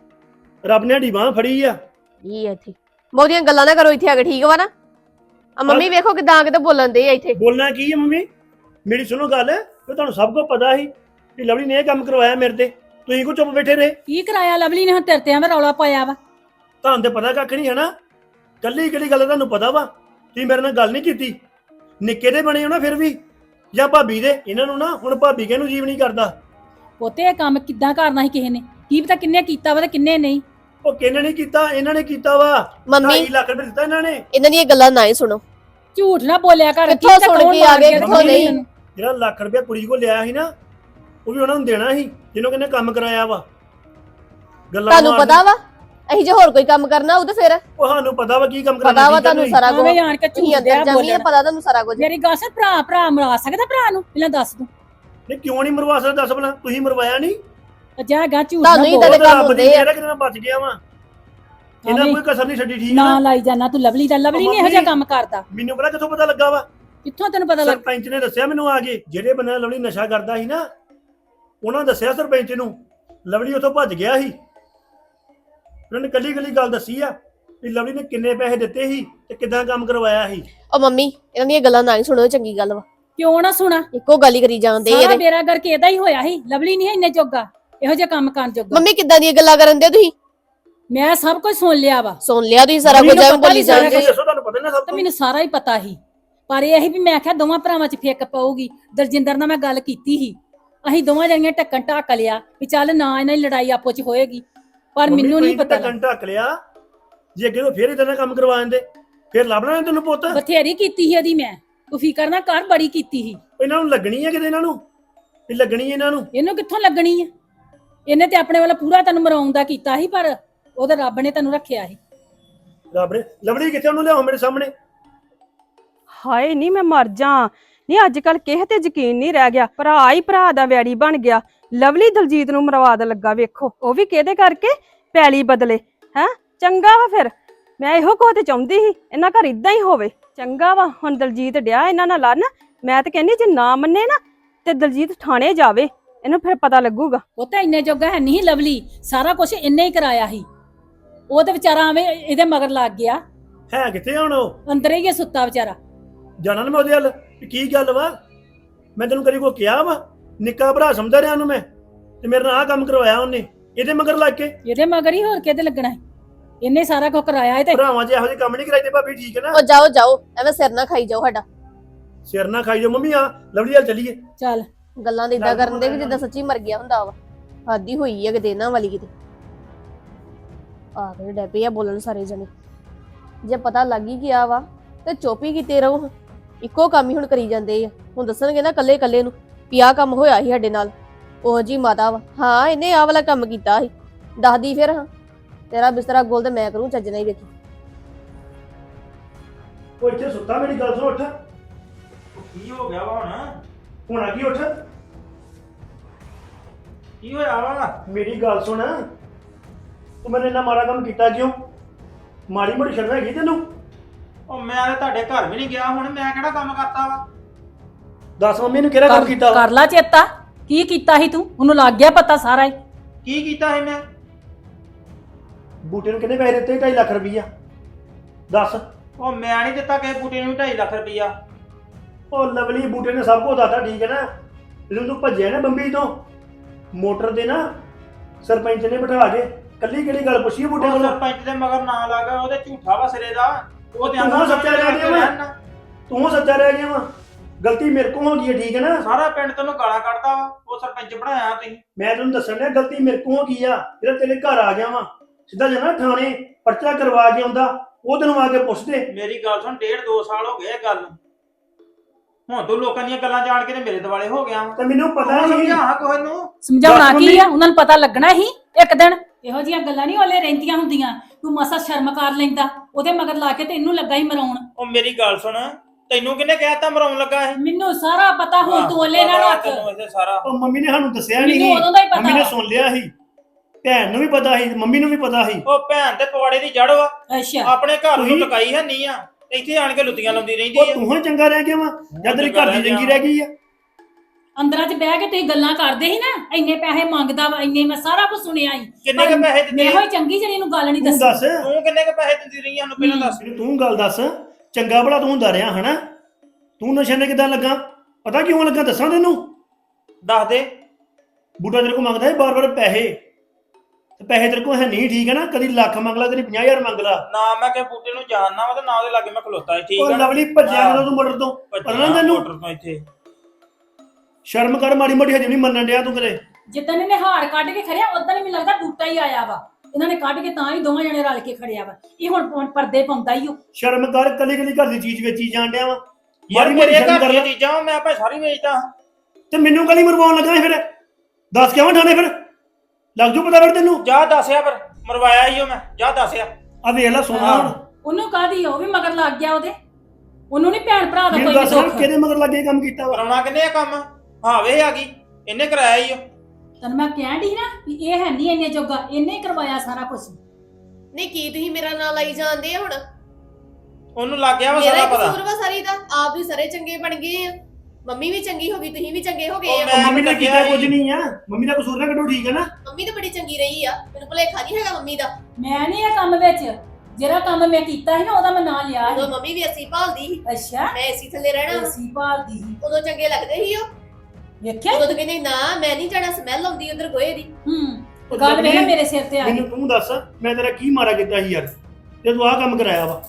E: ਰੱਬ ਨੇ ਸਾਡੀ ਬਾਂਹ ਫੜੀ ਆ।
B: ਕੀ ਆ ਇੱਥੇ ਬਹੁਤੀਆਂ ਗੱਲਾਂ ਨਾ ਕਰੋ ਇੱਥੇ ਆ ਕੇ, ਠੀਕ ਵਾ ਨਾ? ਆ ਮੰਮੀ ਵੇਖੋ ਕਿਦਾਂ ਆ ਕੇ ਤੇ ਬੋਲਣ ਦੇ ਆ ਇੱਥੇ।
E: ਬੋਲਣਾ ਕੀ ਹੈ ਮੰਮੀ? ਮੇਰੀ ਸੁਣੋ ਗੱਲ, ਤੇ ਤੁਹਾਨੂੰ ਸਭ ਕੁਝ ਪਤਾ ਸੀ ਕਿ ਲਵਲੀ ਨੇ ਇਹ ਕੰਮ ਕਰਵਾਇਆ ਮੇਰੇ ਤੇ, ਤੁਸੀਂ ਕੋ ਚੁੱਪ ਬੈਠੇ ਰਹੇ?
C: ਕੀ ਕਰਾਇਆ ਲਵਲੀ ਨੇ? ਹੁਣ ਤੇਰੇ ਤੇ ਐਵੇਂ ਰੌਲਾ ਪਾਇਆ ਵਾ।
E: ਤੁਹਾਨੂੰ ਤੇ ਪਤਾ ਕੱਖ ਨਹੀਂ ਹੈ ਨਾ, ਕੱਲੀ ਕਿਹੜੀ ਗੱਲ ਤੁਹਾਨੂੰ ਪਤਾ ਵਾ? ਤੁਸੀਂ ਮੇਰੇ ਨਾਲ ਗੱਲ ਨਹੀਂ ਕੀਤੀ। ਨਿੱਕੇ ਦੇ ਬਣੇ ਹੋ ਨਾ ਫਿਰ ਵੀ, ਜਾਂ ਭਾਬੀ ਦੇ। ਇਹਨਾਂ ਨੂੰ ਨਾ ਹੁਣ ਭਾਬੀ ਕਿਹਨੂੰ ਜੀਵ ਨਹੀਂ ਕਰਦਾ।
C: ਪੋਤੇ ਇਹ ਕੰਮ ਕਿੱਦਾਂ ਕਰਨਾ ਸੀ ਕਿਸੇ ਨੇ? ਕੀ ਪਤਾ ਕਿੰਨੇ ਕੀਤਾ ਵਾ ਤੇ ਕਿੰਨੇ ਨਹੀਂ।
E: ਉਹ ਕਿਹਨੇ ਨਹੀਂ ਕੀਤਾ? ਇਹਨਾਂ ਨੇ ਕੀਤਾ ਵਾ।
B: ਮੰਮੀ
E: 2.5 ਲੱਖ ਰੁਪਏ ਦਿੱਤਾ ਇਹਨਾਂ ਨੇ।
B: ਇਹਨਾਂ ਦੀਆਂ ਗੱਲਾਂ ਨਾ ਹੀ ਸੁਣੋ।
C: ਝੂਠ ਨਾ ਬੋਲਿਆ ਕਰ।
B: ਕਿੱਥੋਂ ਸੁਣ ਕੇ ਆ ਗਏ, ਕਿੱਥੋਂ ਨਹੀਂ?
E: ਜਿਹੜਾ ਲੱਖ ਰੁਪਏ ਕੁੜੀ ਕੋਲ ਲਿਆ ਸੀ ਨਾ, ਉਹ ਵੀ ਉਹਨਾਂ ਨੂੰ ਦੇਣਾ ਸੀ ਜਿਹਨੂੰ ਕਿਹਨੇ ਕੰਮ ਕਰਾਇਆ ਵਾ। ਗੱਲਾਂ
B: ਤੁਹਾਨੂੰ ਪਤਾ ਵਾ ਅਸੀਂ ਜੇ ਹੋਰ ਕੋਈ ਕੰਮ ਕਰਨਾ ਉਹ ਤੇ ਫਿਰ
E: ਉਹ ਸਾਨੂੰ ਪਤਾ ਵਾ ਕੀ ਕੰਮ ਕਰਨਾ।
B: ਪਤਾ ਵਾ ਤੁਹਾਨੂੰ ਸਾਰਾ ਕੁਝ।
C: ਐਵੇਂ ਆਣ ਕੇ
B: ਤੁਸੀਂ
C: ਝੂਠ
B: ਅੰਦਰ
C: ਦਿਆ
B: ਜਮੀ
C: ਬੋਲਿਆ।
B: ਪਤਾ ਤੁਹਾਨੂੰ ਸਾਰਾ ਕੁਝ।
C: ਮੇਰੀ ਗੱਲ ਸੁਣ, ਭਰਾ ਮਰਵਾ ਸਕਦਾ ਭਰਾ ਨੂੰ? ਪਹਿਲਾਂ ਦੱਸ ਤੂੰ।
E: ਨਹੀਂ ਕਿਉਂ ਨਹੀਂ ਮਰਵਾ ਸਕਦਾ? ਦੱਸ ਭਲਾ, ਤੁਸੀਂ ਮਰਵਾਇਆ ਨਹੀਂ?
C: ਜਾ ਗਾ ਝੂਠ ਨਾ
B: ਤੁਹਾਨੂੰ ਹੀ
C: ਬੋਲ।
B: ਤਾਂ
E: ਉਹ ਤਾਂ
B: ਕੰਮ
E: ਰੱਬ ਦੀ
B: ਹੁੰਦੇ ਆ।
E: ਮਿਹਰ ਆ ਕਿ ਮੈਂ ਬਚ ਗਿਆ ਵਾਂ। ਇਹਨਾਂ ਕੋਈ ਕਸਰ ਨਹੀਂ ਛੱਡੀ, ਠੀਕ
C: ਨਾ
E: ਨਾ?
C: ਲਾਈ ਜਾਣਾ ਤੂੰ ਲਵਲੀ ਦਾ। ਲਵਲੀ ਨੇ ਇਹੋ ਜਿਹਾ ਕੰਮ ਕਰਦਾ।
E: ਮੈਨੂੰ ਪਤਾ ਕਿੱਥੋਂ ਪਤਾ ਲੱਗਾ ਵਾ?
C: ਕਿੱਥੋਂ ਤੈਨੂੰ ਪਤਾ ਲੱਗ?
E: ਸਰਪੰਚ ਨੇ ਦੱਸਿਆ ਮੈਨੂੰ ਆ ਕੇ, ਜਿਹੜੇ ਬੰਦੇ ਨਾਲ ਲਵਲੀ ਨਸ਼ਾ ਕਰਦਾ ਸੀ ਨਾ, ਉਹਨਾਂ ਦੱਸਿਆ ਸਰਪੰਚ ਨੂੰ। ਲਵਲੀ ਉੱਥੋਂ ਭੱਜ ਗਿਆ ਸੀ। ਉਹਨਾਂ ਨੇ ਕੱਲੀ ਗੱਲ ਦੱਸੀ ਆ ਵੀ ਲਵਲੀ ਨੇ ਕਿੰਨੇ ਪੈਸੇ ਦਿੱਤੇ ਸੀ ਤੇ ਕਿੱਦਾਂ ਕੰਮ ਕਰਵਾਇਆ ਸੀ।
B: ਉਹ ਮੰਮੀ ਇਹਨਾਂ ਦੀਆਂ ਗੱਲਾਂ ਨਾ ਹੀ ਸੁਣੋ, ਚੰਗੀ ਗੱਲ ਵਾ।
C: ਕਿਉਂ ਨਾ ਸੁਣਾ?
B: ਇੱਕੋ ਗੱਲ ਹੀ ਕਰੀ ਜਾਂਦੇ
C: ਸਾਰਾ
B: ਇਹਦੇ।
C: ਮੇਰਾ ਕਰਕੇ ਇਹਦਾ ਹੀ ਹੋਇਆ ਸੀ। ਲਵਲੀ ਨਹੀਂ ਇੰਨੇ ਜੋਗਾ ਇਹੋ ਜਿਹਾ ਕੰਮ ਕਰਨ ਜੋਗਾ।
B: ਮੰਮੀ ਕਿੱਦਾਂ ਦੀਆਂ ਗੱਲਾਂ ਕਰਨ ਦੇ ਤੁਸੀਂ?
C: ਮੈਂ ਸਭ ਕੁਝ ਸੁਣ ਲਿਆ ਵਾ
B: ਸੁਣ ਲਿਆ ਤੁਸੀਂ ਸਾਰਾ
C: ਮੰਮੀ
B: ਕੁਝ?
C: ਨੂੰ
B: ਐਵੇਂ
C: ਪਤਾ
B: ਬੋਲੀ
C: ਨੀ ਸਾਰਾ
B: ਜਾਂਦੇ।
E: ਦੱਸੋ, ਤੁਹਾਨੂੰ ਪਤਾ ਨਾ ਸਭ
C: ਤੇ
E: ਕੁਝ?
C: ਮੈਨੂੰ ਸਾਰਾ ਹੀ ਪਤਾ ਸੀ। ਪਰ ਇਹ ਸੀ ਵੀ ਮੈਂ ਆਖਿਆ ਦੋਵਾਂ ਭਰਾਵਾਂ 'ਚ ਫੇਕ ਪਊਗੀ। ਦਲਜਿੰਦਰ ਨਾਲ ਮੈਂ ਗੱਲ ਕੀਤੀ ਸੀ, ਅਸੀਂ ਦੋਵਾਂ ਜਣੀਆਂ ਢੱਕਣ ਢੱਕ ਲਿਆ ਵੀ ਚੱਲ ਨਾ ਇਹਨਾਂ ਦੀ ਲੜਾਈ ਆਪੋ 'ਚ ਹੋਏਗੀ, ਪਰ ਮੈਨੂੰ ਨਹੀਂ ਪਤਾ ਲੱਗਾ।
E: ਢੱਕ ਲਿਆ, ਜੇ ਅੱਗੇ ਤੋਂ ਫੇਰ ਇਦਾਂ ਦਾ ਕੰਮ ਕਰਵਾ ਦਿੰਦੇ ਫੇਰ ਲੱਭਣਾ ਨੀ ਤੈਨੂੰ ਪੁੱਤ।
C: ਬਥੇਰੀ ਕੀਤੀ ਸੀ ਇਹਦੀ ਮੈਂ, ਤੂੰ ਫਿਕਰ ਨਾ ਕਰ, ਬੜੀ ਕੀਤੀ ਸੀ।
E: ਇਹਨਾਂ ਨੂੰ ਲੱਗਣੀ ਹੈ ਕਿਤੇ, ਇਹਨਾਂ ਨੂੰ ਵੀ ਲੱਗਣੀ ਹੈ ਇਹਨਾਂ ਨੂੰ।
C: ਇਹਨੂੰ ਕਿੱਥੋਂ ਲੱਗਣੀ ਆ? ਇਹਨੇ ਤੇ ਆਪਣੇ ਵੱਲ ਪੂਰਾ ਤੈਨੂੰ ਮਰਾਉਣ ਦਾ ਕੀਤਾ ਸੀ, ਪਰ ਉਹਦੇ ਰੱਬ ਨੇ ਤੈਨੂੰ ਰੱਖਿਆ ਸੀ।
E: ਰੱਬ ਨੇ ਲਵਲੀ ਕਿੱਥੇ, ਉਹਨੂੰ ਲਿਆਓ ਮੇਰੇ ਸਾਹਮਣੇ।
A: ਹਾਏ ਨਹੀਂ ਮੈਂ ਮਰ ਜਾ। ਨਹੀਂ ਅੱਜ ਕੱਲ ਕਿਸੇ ਤੇ ਯਕੀਨ ਨਹੀਂ ਰਹਿ ਗਿਆ। ਭਰਾ ਹੀ ਭਰਾ ਦਾ ਵੈਰੀ ਬਣ ਗਿਆ। ਲਵਲੀ ਦਲਜੀਤ ਨੂੰ ਮਰਵਾਦ ਲੱਗਾ, ਵੇਖੋ ਉਹ ਵੀ ਕਿਹਦੇ ਕਰਕੇ, ਪੈਲੀ ਬਦਲੇ। ਹੈ ਚੰਗਾ ਵਾ, ਫਿਰ ਮੈਂ ਇਹੋ ਕੁਝ ਤੇ ਚਾਹੁੰਦੀ ਸੀ ਇਹਨਾਂ ਘਰ ਇਦਾਂ ਹੀ ਹੋਵੇ। ਚੰਗਾ ਵਾ, ਹੁਣ ਦਲਜੀਤ ਡਿਆ ਇਹਨਾਂ ਨਾਲ ਲੜਨ। ਮੈਂ ਤਾਂ ਕਹਿੰਦੀ ਜੇ ਨਾ ਮੰਨੇ ਨਾ ਤੇ ਦਲਜੀਤ ਥਾਣੇ ਜਾਵੇ, ਇਹਨੂੰ ਫਿਰ ਪਤਾ ਲੱਗੂਗਾ।
C: ਉਹ ਤਾਂ ਇੰਨੇ ਜੋਗਾ ਹੈ ਨਹੀਂ ਲਵਲੀ, ਸਾਰਾ ਕੁਝ ਇੰਨੇ ਹੀ ਕਰਾਇਆ ਸੀ। ਉਹ ਤੇ ਵਿਚਾਰਾ ਐਵੇਂ ਇਹਦੇ ਮਗਰ ਲੱਗ ਗਿਆ,
E: ਹੈ ਕਿੱਥੇ ਹੁਣ ਉਹ?
C: ਅੰਦਰ ਹੀ ਸੁੱਤਾ ਵਿਚਾਰਾ।
E: ਜਾਣਾ ਨਾ ਮੈਂ ਉਹਦੇ ਹੱਲ ਵੀ ਕੀ ਗੱਲ ਵਾ। ਮੈਂ ਤੈਨੂੰ ਕਦੀ ਕੋਈ ਕਿਹਾ ਵਾ? ਨਿੱਕਾ ਭਰਾ ਸਮਝਦਾ ਰਿਹਾ ਉਹਨੂੰ ਮੈਂ, ਤੇ ਮੇਰੇ ਨਾਲ ਆਹ ਕੰਮ ਕਰਵਾਇਆ ਉਹਨੇ ਇਹਦੇ ਮਗਰ ਲੱਗ ਕੇ।
C: ਇਹਦੇ ਮਗਰ ਹੀ ਹੋਰ ਕਿਹਦੇ ਲੱਗਣਾ ਹੈ? ਇਹਨੇ ਸਾਰਾ ਕੁਝ ਕਰਾਇਆ ਹੈ। ਤੇ
E: ਭਰਾਵਾਂ 'ਚ ਇਹੋ ਜਿਹੇ ਕੰਮ ਨਹੀਂ ਕਰਾਈਦੇ ਭਾਬੀ, ਠੀਕ ਹੈ ਨਾ?
B: ਉਹ ਜਾਓ ਜਾਓ, ਐਵੇਂ ਸਿਰ ਨਾ ਖਾਈ ਜਾਓ ਸਾਡਾ।
E: ਸਿਰ ਨਾ ਖਾਈ ਜਾਓ ਮੰਮੀ, ਆ ਲਵਲੀ ਹਲ ਚੱਲੀਏ।
C: ਚੱਲ
B: ਗੱਲਾਂ ਦੇ ਇਦਾਂ ਕਰਨ ਦੇ ਵੀ ਜਿੱਦਾਂ ਸੱਚੀ ਮਰ ਗਿਆ ਹੁੰਦਾ ਵਾ। ਹਾਦੀ ਹੋਈ ਹੈ ਕਿਤੇ ਇਹਨਾਂ ਵਾਲੀ ਕਿਤੇ। ਆ ਗਏ ਡੈਪੇ ਆ ਬੋਲਣ ਸਾਰੇ ਜਣੇ। ਜੇ ਪਤਾ ਲੱਗ ਹੀ ਗਿਆ ਵਾ ਤੇ ਚੁੱਪ ਹੀ ਕੀਤੇ ਰਹੋ। ਇੱਕੋ ਕੰਮ ਹੀ ਹੁਣ ਕਰੀ ਜਾਂਦੇ ਆ। ਹੁਣ ਦੱਸਣਗੇ ਨਾ ਕੱਲੇ ਕੱਲੇ ਨੂੰ ਵੀ ਆਹ ਕੰਮ ਹੋਇਆ ਸੀ ਸਾਡੇ ਨਾਲ। ਉਹ ਜੀ ਮਾਤਾ ਵਾ, ਹਾਂ ਇਹਨੇ ਆਹ ਵਾਲਾ ਕੰਮ ਕੀਤਾ ਸੀ, ਦੱਸਦੀ ਫਿਰ। ਹਾਂ ਤੇਰਾ ਬਿਸਤਰਾ ਗੋਲ ਤੇ ਮੈਂ ਕਰੂੰ, ਚੱਜ ਨਹੀਂ ਵੇਖੀ।
E: ਉਹ ਇੱਥੇ ਸੁੱਤਾ, ਮੇਰੀ ਗੱਲ ਸੁਣ, ਉੱਠ।
G: ਕੀ ਹੋ ਗਿਆ ਵਾ ਹੁਣ?
E: ਹੁਣ ਆ ਕੀ ਉੱਠ?
G: ਕੀ ਹੋਇਆ ਵਾ?
E: ਮੇਰੀ ਗੱਲ ਸੁਣ, ਤੂੰ ਮੈਨੂੰ ਇੰਨਾ ਮਾੜਾ ਕੰਮ ਕੀਤਾ ਕਿਉਂ? ਮਾੜੀ ਮੋਟੀ ਸ਼ਰਮ ਹੈਗੀ ਤੈਨੂੰ?
G: ਉਹ ਮੈਂ ਤੇ ਤੁਹਾਡੇ ਘਰ ਵੀ ਨਹੀਂ ਗਿਆ, ਹੁਣ ਮੈਂ ਕਿਹੜਾ ਕੰਮ ਕਰਤਾ ਵਾ?
E: ਦੱਸ ਮੰਮੀ ਨੂੰ ਕਿਹੜਾ ਕੰਮ ਕੀਤਾ ਵਾ?
C: ਕਰ ਲਾ ਚੇਤਾ, ਕੀ ਕੀਤਾ ਸੀ ਤੂੰ? ਉਹਨੂੰ ਲੱਗ ਗਿਆ ਪਤਾ ਸਾਰਾ ਹੀ।
G: ਕੀ ਕੀਤਾ ਸੀ ਮੈਂ?
E: ਬੂਟੇ ਨੂੰ ਕਿੰਨੇ ਪੈਸੇ ਦਿੱਤੇ? 2.5 ਲੱਖ ਰੁਪਈਆ। ਦੱਸ।
G: ਉਹ ਮੈਂ ਨਹੀਂ ਦਿੱਤਾ ਕਿਸੇ ਬੂਟੇ ਨੂੰ 2.5 ਲੱਖ ਰੁਪਈਆ।
E: ਉਹ ਲਵਲੀ ਬੂਟੇ ਨੇ ਸਭ ਕੁਝ ਦੱਸਦਾ, ਠੀਕ ਹੈ ਨਾ? ਜਦੋਂ ਤੂੰ ਭੱਜਿਆ ਨਾ ਬੰਬੀ ਤੋਂ, ਮੋਟਰ ਦੇ ਨਾ ਸਰਪੰਚ ਨੇ ਬਿਠਾ ਕੇ ਕੱਲੀ ਕਿਹੜੀ ਗੱਲ ਪੁੱਛੀ ਬੂਟੇ
G: ਉਹ
E: ਕੋਲੋਂ?
G: ਸਰਪੰਚ ਦੇ ਮਗਰ ਨਾ ਲੱਗਾ, ਉਹਦੇ ਝੂਠਾ ਵਾ ਸਿਰੇ ਦਾ। ਉਹ ਤੇ
E: ਤੂੰ ਸੱਚਾ ਰਹਿ ਗਿਆ ਵਾ। ਤੂੰ ਸੱਚਾ ਰਹਿ ਗਿਆ ਵਾ। ਗਲਤੀ ਮੇਰੇ ਕੋਲ ਹੋ ਗਈ ਹੈ, ਠੀਕ ਹੈ ਨਾ?
G: ਸਾਰਾ ਪਿੰਡ ਤੈਨੂੰ ਗਾਲਾਂ ਕੱਢਦਾ ਵਾ, ਉਹ ਸਰਪੰਚ ਬਣਾਇਆ ਤੁਸੀਂ।
E: ਮੈਂ ਤੈਨੂੰ ਦੱਸਣ ਡਿਆ ਗਲਤੀ ਮੇਰੇ ਕੋਲ ਹੋ ਗਈ ਆ। ਜਿਹੜਾ ਤੇਰੇ ਘਰ ਆ ਗਿਆ ਵਾ, ਸਿੱਧਾ ਜਾਣਾ ਥਾਣੇ, ਪਰਚਾ ਕਰਵਾ ਕੇ ਆਉਂਦਾ, ਉਹ ਤੈਨੂੰ ਆ ਕੇ ਪੁੱਛਦੇ।
G: ਮੇਰੀ ਗੱਲ ਸੁਣ, 1.5-2 ਸਾਲ ਹੋ ਗਏ ਇਹ ਗੱਲ ਨੂੰ। ਹੁਣ ਤੂੰ ਲੋਕਾਂ ਦੀਆਂ ਗੱਲਾਂ ਜਾਣ ਕੇ ਤੇ ਮੇਰੇ ਦੁਆਲੇ ਹੋ ਗਿਆ ਵਾ।
E: ਤੇ ਮੈਨੂੰ ਪਤਾ
G: ਤੂੰ
E: ਨਹੀਂ।
G: ਸਮਝਾ ਕੋਹ ਨੂੰ।
C: ਸਮਝਾਉਣਾ ਕੀ ਆ? ਉਹਨਾਂ ਨੂੰ ਪਤਾ ਲੱਗਣਾ ਹੀ ਇੱਕ ਦਿਨ। ਇਹੋ ਜਿਹੀਆਂ ਗੱਲਾਂ ਨਹੀਂ ਉਹਲੇ ਰਹਿੰਦੀਆਂ ਹੁੰਦੀਆਂ। ਤੂੰ ਮਸਾ ਸ਼ਰਮ ਕਰ ਲੈਂਦਾ, ਉਹਦੇ ਮਗਰ ਲਾ ਕੇ ਤੇ ਇਹਨੂੰ ਲੱਗਾ ਹੀ ਮਰਾਉਣ।
G: ਉਹ ਮੇਰੀ ਗੱਲ ਸੁਣ, ਤੈਨੂੰ ਕਿਹਨੇ ਕਹਿਤਾ ਮਰਾਉਣ ਲੱਗਾ ਇਹ?
C: ਮੈਨੂੰ ਸਾਰਾ ਪਤਾ, ਹੁਣ ਤੂੰ ਉਹਲੇ ਨਾ ਰੱਖ।
G: ਤੈਨੂੰ ਇਹ ਸਾਰਾ
E: ਉਹ ਮੰਮੀ ਨੇ ਸਾਨੂੰ ਦੱਸਿਆ
C: ਮੈਨੂੰ
E: ਨਹੀਂ।
C: ਉਦੋਂ ਦਾ ਹੀ ਪਤਾ
E: ਮੰਮੀ ਨੇ
C: ਵਾ।
E: ਸੁਣ ਲਿਆ ਸੀ, ਭੈਣ ਨੂੰ ਵੀ ਪਤਾ ਸੀ, ਮੰਮੀ ਨੂੰ ਵੀ ਪਤਾ ਸੀ।
G: ਉਹ ਭੈਣ ਤੇ ਪਵਾੜੇ ਦੀ ਜੜ ਵਾ।
C: ਅੱਛਾ,
G: ਆਪਣੇ ਘਰ ਨੂੰ
E: ਤੁਸੀਂ-
G: ਟਕਾਈ ਹੈ ਨਹੀਂ ਆ, ਇੱਥੇ ਆਣ ਕੇ ਲੁੱਤੀਆਂ ਲਾਉਂਦੀ ਰਹਿੰਦੀ
E: ਉਹ
G: ਆ।
E: ਤੂੰ ਹੀ ਚੰਗਾ ਰਹਿ ਗਿਆ ਵਾ, ਜਦ ਤੇਰੀ ਘਰ ਦੀ ਚੰਗੀ ਰਹਿ ਗਈ ਆ।
C: ਅੰਦਰਾਂ 'ਚ ਬਹਿ ਕੇ ਤੁਸੀਂ ਗੱਲਾਂ ਕਰਦੇ ਸੀ ਨਾ, ਇੰਨੇ ਪੈਸੇ ਮੰਗਦਾ ਵਾ, ਇੰਨੇ, ਮੈਂ ਸਾਰਾ ਕੁਝ ਸੁਣਿਆ ਹੀ।
G: ਕਿੰਨੇ ਕੁ ਪੈਸੇ ਦਿੱਤੇ?
C: ਮੈਂ ਹੋਈ ਚੰਗੀ ਜਿਹੜੀ ਇਹਨੂੰ ਗੱਲ ਨਹੀਂ
E: ਤੂੰ
C: ਦੱਸੀ।
E: ਦੱਸ,
G: ਤੂੰ ਕਿੰਨੇ ਕੁ ਪੈਸੇ ਦਿੰਦੀ ਰਹੀ ਸਾਨੂੰ ਪਹਿਲਾਂ ਦੱਸ।
E: ਮੈਨੂੰ ਤੂੰ ਗੱਲ ਦੱਸ, ਚੰਗਾ ਭਲਾ ਤੂੰ ਹੁੰਦਾ ਰਿਹਾ ਹਨਾ? ਤੂੰ ਨਸ਼ੇ ਨੇ ਕਿੱਦਾਂ ਲੱਗਾ? ਪਤਾ ਕਿਉਂ ਲੱਗਾ? ਦੱਸਾਂ ਤੈਨੂੰ।
G: ਦੱਸ ਦੇ।
E: ਬੂਟਾ ਤੇਰੇ ਕੋਲ ਮੰਗਦਾ ਹੈ ਬਾਰ-ਬਾਰ ਪੈਸੇ, ਤੇ ਪੈਸੇ ਤੇਰੇ ਕੋਲ ਹੈ ਨਹੀਂ, ਠੀਕ ਹੈ ਨਾ? ਕਦੀ ਲੱਖ ਮੰਗ ਲਾ, ਕਦੀ 50,000 ਮੰਗ ਲਾ।
G: ਨਾ ਮੈਂ ਕਿ ਬੂਟੇ ਨੂੰ ਜਾਣਨਾ ਵਾ ਤੇ ਨਾ ਉਹਦੇ ਲਾਗੇ ਮੈਂ ਖਲੋਤਾ ਸੀ, ਠੀਕ
E: ਉਹ
G: ਆ ਨਾ?
E: ਲਵਲੀ ਭੱਜਿਆ ਜਦੋਂ ਤੂੰ ਮੋਟਰ ਤੋਂ, ਪਤਾ ਨਾ ਤੈਨੂੰ?
G: ਮੋਟਰ ਤੋਂ ਇੱਥੇ
E: ਸ਼ਰਮ ਕਰ, ਮਾੜੀ ਮੋਟੀ ਹਜੇ ਨਹੀਂ ਮੰਨਣ ਡਿਆ ਤੂੰ ਕਦੇ।
C: ਜਿੱਦਣ ਇਹਨੇ ਹਾਰ ਕੱਢ ਕੇ ਖੜਿਆ ਉਦੋਂ ਮੈਨੂੰ ਲੱਗਦਾ ਬੂਟਾ ਹੀ ਆਇਆ ਵਾ। ਇਹਨਾਂ ਨੇ ਕੱਢ ਕੇ ਤਾਂ ਹੀ ਦੋਵਾਂ ਜਣੇ ਰਲ ਕੇ ਖੜਿਆ ਵਾ। ਇਹ ਹੁਣ ਪਰਦੇ ਪਾਉਂਦਾ ਹੀ ਉਹ।
E: ਸ਼ਰਮ ਕਰ, ਕੱਲੀ ਕੱਲੀ ਘਰ ਦੀ ਚੀਜ਼ ਵੇਚੀ ਜਾਣ ਡਿਆ ਵਾ।
G: ਯਾਰ
E: ਮਾੜੀ ਮੋਟੀ
G: ਮੇਰੇ
E: ਸ਼ਰਮ
G: ਘਰ
E: ਕਰ
G: ਦੀਆਂ
E: ਲੈ।
G: ਚੀਜ਼ਾਂ ਵਾਂ, ਮੈਂ ਭਾਵੇਂ ਸਾਰੀ ਵੇਚਦਾ।
E: ਤੇ ਮੈਨੂੰ ਕੱਲੀ ਮਰਵਾਉਣ ਲੱਗਾ ਸੀ ਫਿਰ? ਦੱਸ ਕਿਉਂ ਠਾਣੇ ਫਿਰ? ਲੱਗ ਜੂ ਪਤਾ ਫਿਰ ਤੈਨੂੰ।
G: ਜਾ ਦੱਸਿਆ ਫਿਰ ਮਰਵਾਇਆ ਹੀ ਉਹ ਮੈਂ, ਜਾ ਦੱਸਿਆ।
E: ਆ ਵੇਖ ਲੈ, ਸੁਣਨਾ ਹੁਣ।
C: ਉਹਨੂੰ ਕਾਹਦੀ, ਉਹ ਵੀ ਮਗਰ ਲੱਗ ਗਿਆ ਉਹਦੇ। ਉਹਨੂੰ ਨਹੀਂ ਭੈਣ ਭਰਾ ਦਾ
E: ਮੈਨੂੰ
C: ਕੋਈ
E: ਦੱਸ
C: ਦੁੱਖ।
E: ਕਿਹਦੇ ਮਗਰ ਲੱਗੇ ਕੰਮ ਕੀਤਾ ਵਾ?
G: ਕਰਾਉਣਾ ਕਿੰਨੇ ਆ ਕੰਮ? ਹਾਵੇ ਆ ਗਈ, ਇਹਨੇ ਕਰਾਇਆ ਹੀ ਉਹ।
C: ਤੈਨੂੰ ਮੈਂ ਕਹਿਣ ਡਈ ਨਾ ਵੀ ਇਹ ਹੈ ਨਹੀਂ ਇੰਨੇ ਜੋਗਾ, ਇਹਨੇ ਹੀ ਕਰਵਾਇਆ ਸਾਰਾ ਕੁਝ।
B: ਨਹੀਂ ਕੀ ਤੁਸੀਂ ਮੇਰਾ ਨਾਂ ਲਾਈ ਜਾਂਦੇ ਆ ਹੁਣ?
G: ਉਹਨੂੰ ਲੱਗ ਗਿਆ ਵਾ
B: ਮੇਰਾ
G: ਸਾਰਾ
B: ਹੀ
G: ਪਤਾ।
B: ਕਸੂਰ ਵਾ ਸਾਰੀ ਦਾ। ਆਪ ਵੀ ਸਾਰੇ ਚੰਗੇ ਬਣ ਗਏ ਆ, ਮੰਮੀ ਵੀ ਚੰਗੀ ਹੋ ਗਈ, ਤੁਸੀਂ ਵੀ ਚੰਗੇ ਹੋ ਗਏ
G: ਉਹ
B: ਆ।
G: ਮੈਂ
E: ਮੰਮੀ ਨੇ
G: ਲੱਗਿਆ
E: ਕੀਤਾ
G: ਸੀ।
E: ਕੁਝ ਨਹੀਂ ਆ, ਮੰਮੀ ਦਾ ਕਸੂਰ ਨਾ ਕੱਢੋ, ਠੀਕ ਹੈ ਨਾ?
B: ਮੰਮੀ ਤਾਂ ਬੜੀ ਚੰਗੀ ਰਹੀ ਆ, ਮੈਨੂੰ ਭੁਲੇਖਾ ਨਹੀਂ ਹੈਗਾ ਮੰਮੀ ਦਾ।
C: ਮੈਂ ਨਹੀਂ ਇਹ ਕੰਮ ਵਿੱਚ, ਜਿਹੜਾ ਕੰਮ ਮੈਂ ਕੀਤਾ ਸੀ ਨਾ ਉਹਦਾ ਮੈਂ ਨਾਂ ਲਿਆ
B: ਉਦੋਂ
C: ਸੀ।
B: ਮੰਮੀ ਵੀ ਅਸੀਂ ਭਾਲਦੀ ਸੀ,
C: ਅੱਛਾ,
B: ਮੈਂ ਏਸੀ ਥੱਲੇ ਰਹਿਣਾ ਵਾ।
C: ਅਸੀਂ ਭਾਲਦੀ ਸੀ,
B: ਉਦੋਂ ਚੰਗੇ ਲੱਗਦੇ ਸੀ ਉਹ।
C: ਵੇਖਿਆ?
B: ਉਦੋਂ ਤਾਂ ਕਹਿੰਦੇ ਨਾ ਮੈਂ ਨਹੀਂ ਜਾਣਾ, ਸਮੈਲ ਆਉਂਦੀ ਉਧਰ ਗੋਹੇ ਦੀ।
C: ਗੱਲ ਵੇਖ ਮੇਰੇ ਸਿਰ ਤੇ ਆ ਗਈ।
E: ਮੈਨੂੰ ਤੂੰ ਦੱਸ, ਮੈਂ ਤੇਰਾ ਕੀ ਮਾਰਾ ਕੀਤਾ ਸੀ ਯਾਰ, ਜੇ ਤੂੰ ਆਹ ਕੰਮ ਕਰਾਇਆ ਵਾ?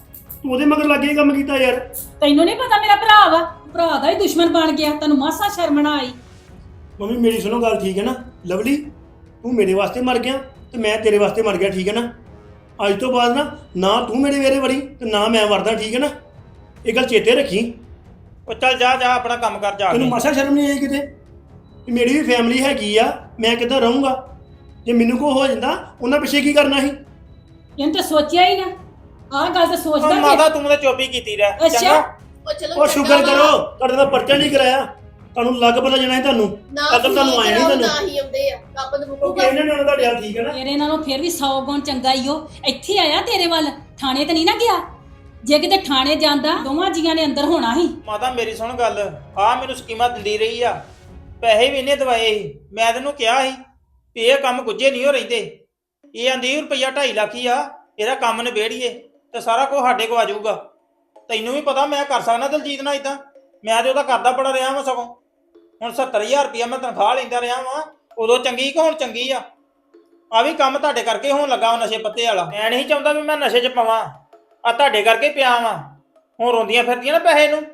E: ਤੂੰ ਉਹਦੇ ਮਗਰ ਲੱਗੇ ਕੰਮ ਕੀਤਾ ਯਾਰ।
C: ਤੈਨੂੰ ਨਹੀਂ ਪਤਾ ਮੇਰਾ ਭਰਾ ਵਾ, ਭਰਾ ਦਾ ਹੀ ਦੁਸ਼ਮਣ ਬਣ ਗਿਆ, ਤੈਨੂੰ ਮਾਸਾ ਸ਼ਰਮ ਨਾ ਆਈ।
E: ਮੰਮੀ ਮੇਰੀ ਸੁਣੋ ਗੱਲ, ਠੀਕ ਹੈ ਨਾ ਲਵਲੀ, ਤੂੰ ਮੇਰੇ ਵਾਸਤੇ ਮਰ ਗਿਆ ਤੇ ਮੈਂ ਤੇਰੇ ਵਾਸਤੇ ਮਰ ਗਿਆ, ਠੀਕ ਹੈ ਨਾ। ਅੱਜ ਤੋਂ ਬਾਅਦ ਨਾ ਤੂੰ ਮੇਰੇ ਵੇਰੇ ਵੜੀ ਤੇ ਨਾ ਮੈਂ ਵੜਦਾ, ਠੀਕ ਹੈ ਨਾ। ਇਹ ਗੱਲ ਚੇਤੇ ਰੱਖੀ।
G: ਉਹ ਚੱਲ ਜਾ ਜਾ ਆਪਣਾ ਕੰਮ ਕਰ ਜਾ
E: ਤੈਨੂੰ
G: ਕੇ।
E: ਮਾਸਾ ਸ਼ਰਮ ਨਹੀਂ ਆਈ ਕਿਤੇ ਕਿ ਮੇਰੀ ਵੀ ਫੈਮਿਲੀ ਹੈਗੀ ਆ, ਮੈਂ ਕਿੱਦਾਂ ਰਹੂੰਗਾ? ਜੇ ਮੈਨੂੰ ਕੋ ਹੋ ਜਾਂਦਾ ਉਹਨਾਂ ਪਿੱਛੇ ਕੀ ਕਰਨਾ ਸੀ?
C: ਇਹਨੂੰ ਤਾਂ ਸੋਚਿਆ ਹੀ ਨਾ, ਆਹ ਗੱਲ ਤਾਂ
G: ਉਹ
C: ਸੋਚਦਾ
G: ਮਾਤਾ ਤੂੰ ਤਾਂ ਚੁੱਪ ਹੀ ਕੀਤੀ ਰਹਿ
C: ਅੱਛਾ।
G: ਚੰਗਾ।
B: ਉਹ ਚਲੋ
E: ਉਹ ਸ਼ੁਕਰ ਕਰੋ ਤੁਹਾਡੇ ਦਾ ਪਰਚਾ ਨਹੀਂ ਕਰਾਇਆ, ਤੁਹਾਨੂੰ ਲੱਗ ਪਤਾ ਜਾਣਾ ਸੀ ਤੁਹਾਨੂੰ।
B: ਨਾ
E: ਅਕਲ ਤੁਹਾਨੂੰ ਆਇਆ ਨਹੀਂ ਤੁਹਾਨੂੰ।
B: ਨਾ ਹੀ ਆਉਂਦੇ ਆ ਰੱਬ ਨੂੰ
E: ਉਹ
B: ਮੁਕੂਗਾ।
E: ਕਹਿੰਦੇ ਨੇ ਉਹਨਾਂ ਦਾ ਡਿਆ, ਠੀਕ ਹੈ ਨਾ।
C: ਤੇਰੇ ਨਾਲੋਂ ਫਿਰ ਵੀ 100 ਗੁਣ ਚੰਗਾ ਈ ਉਹ ਇੱਥੇ ਆਇਆ ਤੇਰੇ ਵੱਲ, ਥਾਣੇ ਤੇ ਨਹੀਂ ਨਾ ਗਿਆ। ਜੇ ਕਿਤੇ ਥਾਣੇ ਜਾਂਦਾ ਦੋਵਾਂ ਜੀਆਂ ਨੇ ਅੰਦਰ ਹੋਣਾ ਸੀ।
G: ਮਾਤਾ ਮੇਰੀ ਸੁਣ ਗੱਲ, ਆ ਮੈਨੂੰ ਸਕੀਮਾਂ ਦਿੰਦੀ ਰਹੀ ਆ, ਪੈਸੇ ਵੀ ਇਹਨੇ ਦਵਾਏ ਸੀ। ਮੈਂ ਤੈਨੂੰ ਕਿਹਾ ਸੀ ਵੀ ਇਹ ਕੰਮ ਗੁੱਝੇ ਨਹੀਂ ਹੋ ਰਹਿੰਦੇ। ਇਹ ਆਂਦੀ ਰੁਪਈਆ 2.5 ਲੱਖ ਹੀ ਆ, ਇਹਦਾ ਕੰਮ ਨਿਬੇੜੀਏ ਤੇ ਸਾਰਾ ਕੁਝ ਸਾਡੇ ਕੋ ਆ ਜਾਊਗਾ। ਤੈਨੂੰ ਵੀ ਪਤਾ ਮੈਂ ਕਰ ਸਕਦਾ ਦਲਜੀਤ ਨਾਲ ਇਦਾਂ, ਮੈਂ ਤੇ ਉਹਦਾ ਕਰਦਾ ਬੜਾ ਰਿਹਾ ਵਾਂ। ਸਗੋਂ ਹੁਣ 70000 ਰੁਪਈਆ ਮੈਂ ਤਨਖਾਹ ਲੈਂਦਾ ਰਿਹਾ ਵਾਂ, ਉਦੋਂ ਚੰਗੀ ਕਿ ਹੁਣ ਚੰਗੀ ਆ। ਆ ਵੀ ਕੰਮ ਤੁਹਾਡੇ ਕਰਕੇ ਹੋਣ ਲੱਗਾ ਨਸ਼ੇ ਪੱਤੇ ਵਾਲਾ। ਮੈਂ ਨਹੀਂ ਚਾਹੁੰਦਾ ਵੀ ਮੈਂ ਨਸ਼ੇ 'ਚ ਪਵਾਂ, ਆ ਤੁਹਾਡੇ ਕਰਕੇ ਪਿਆ ਵਾਂ। ਹੁਣ ਰੋਂਦੀਆਂ ਫਿਰਦੀਆਂ ਨਾ ਪੈਸੇ ਨੂੰ।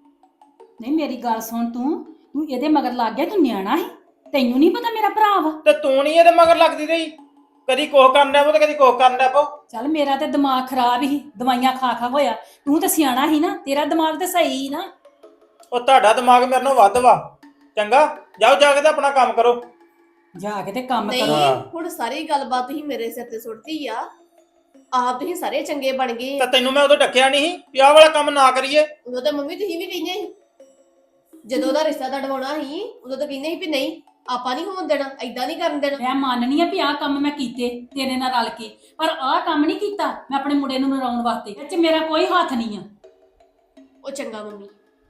C: ਨਹੀਂ ਮੇਰੀ ਗੱਲ ਸੁਣ, ਤੂੰ ਇਹਦੇ ਮਗਰ ਲੱਗ ਗਿਆ, ਤੂੰ ਨਿਆਣਾ ਸੀ, ਤੈਨੂੰ ਨਹੀਂ ਪਤਾ ਮੇਰਾ ਭਰਾ ਵਾ।
G: ਤੇ ਤੂੰ ਨਹੀਂ ਇਹਦੇ ਮਗਰ ਲੱਗਦੀ ਰਹੀ, ਕਦੀ ਕੋਹ ਕਰਨ ਡਿਆ ਪੋ ਤੇ ਕਦੀ ਕੋਹ ਕਰਨ ਡਿਆ ਪੋ।
C: ਚੱਲ ਮੇਰਾ ਤੇ ਦਿਮਾਗ ਖਰਾਬ ਹੀ, ਦਵਾਈਆਂ ਖਾ ਖਾ ਹੋਇਆ। ਤੂੰ ਤਾਂ ਸਿਆਣਾ ਸੀ ਨਾ, ਤੇਰਾ ਦਿਮਾਗ ਤੇ ਸਹੀ ਸੀ ਨਾ।
G: ਉਹ ਤੁਹਾਡਾ ਦਿਮਾਗ ਮੇਰੇ ਨਾਲੋਂ ਵੱਧ ਵਾ। ਚੰਗਾ ਜਾਓ ਜਾ ਕੇ ਤੇ ਆਪਣਾ ਕੰਮ ਕਰੋ।
C: ਜਾ ਕੇ ਤੇ ਕੰਮ
B: ਨਹੀਂ
C: ਕਰੋ।
B: ਹੁਣ ਸਾਰੀ ਗੱਲਬਾਤ ਤੁਸੀਂ ਮੇਰੇ ਸਿਰ ਤੇ ਸੁੱਟਤੀ ਆ। ਆਪ ਤੁਸੀਂ ਸਾਰੇ ਚੰਗੇ ਬਣ ਗਏ।
G: ਤਾਂ ਤੈਨੂੰ ਮੈਂ ਉਦੋਂ ਡੱਕਿਆ ਨਹੀਂ ਸੀ ਵੀ ਆਹ ਵਾਲਾ ਕੰਮ ਨਾ ਕਰੀਏ।
B: ਉਦੋਂ ਤਾਂ ਮੰਮੀ ਤੁਸੀਂ ਵੀ ਕਹਿੰਦੇ ਸੀ, ਜਦੋਂ ਉਹਦਾ ਰਿਸ਼ਤਾ ਤੜਵਾਉਣਾ ਸੀ ਉਦੋਂ ਤਾਂ ਕਹਿੰਦੇ ਸੀ ਵੀ ਨਹੀਂ ਆਪਾਂ ਨਹੀਂ ਹੋਣ ਦੇਣਾ, ਏਦਾਂ ਨਹੀਂ ਕਰਨ ਦੇਣਾ।
C: ਮੈਂ ਮੰਨਨੀ ਆ ਵੀ ਆਹ ਕੰਮ ਮੈਂ ਕੀਤੇ ਤੇਰੇ ਨਾਲ ਰਲ ਕੇ, ਪਰ ਆਹ ਕੰਮ ਨਹੀਂ ਕੀਤਾ ਮੈਂ ਆਪਣੇ ਮੁੰਡੇ ਨੂੰ ਨਰਾਉਣ ਵਾਸਤੇ। ਇਹ 'ਚ ਮੇਰਾ ਕੋਈ ਹੱਥ ਨਹੀਂ ਆ।
B: ਉਹ ਚੰਗਾ ਮੰਮੀ,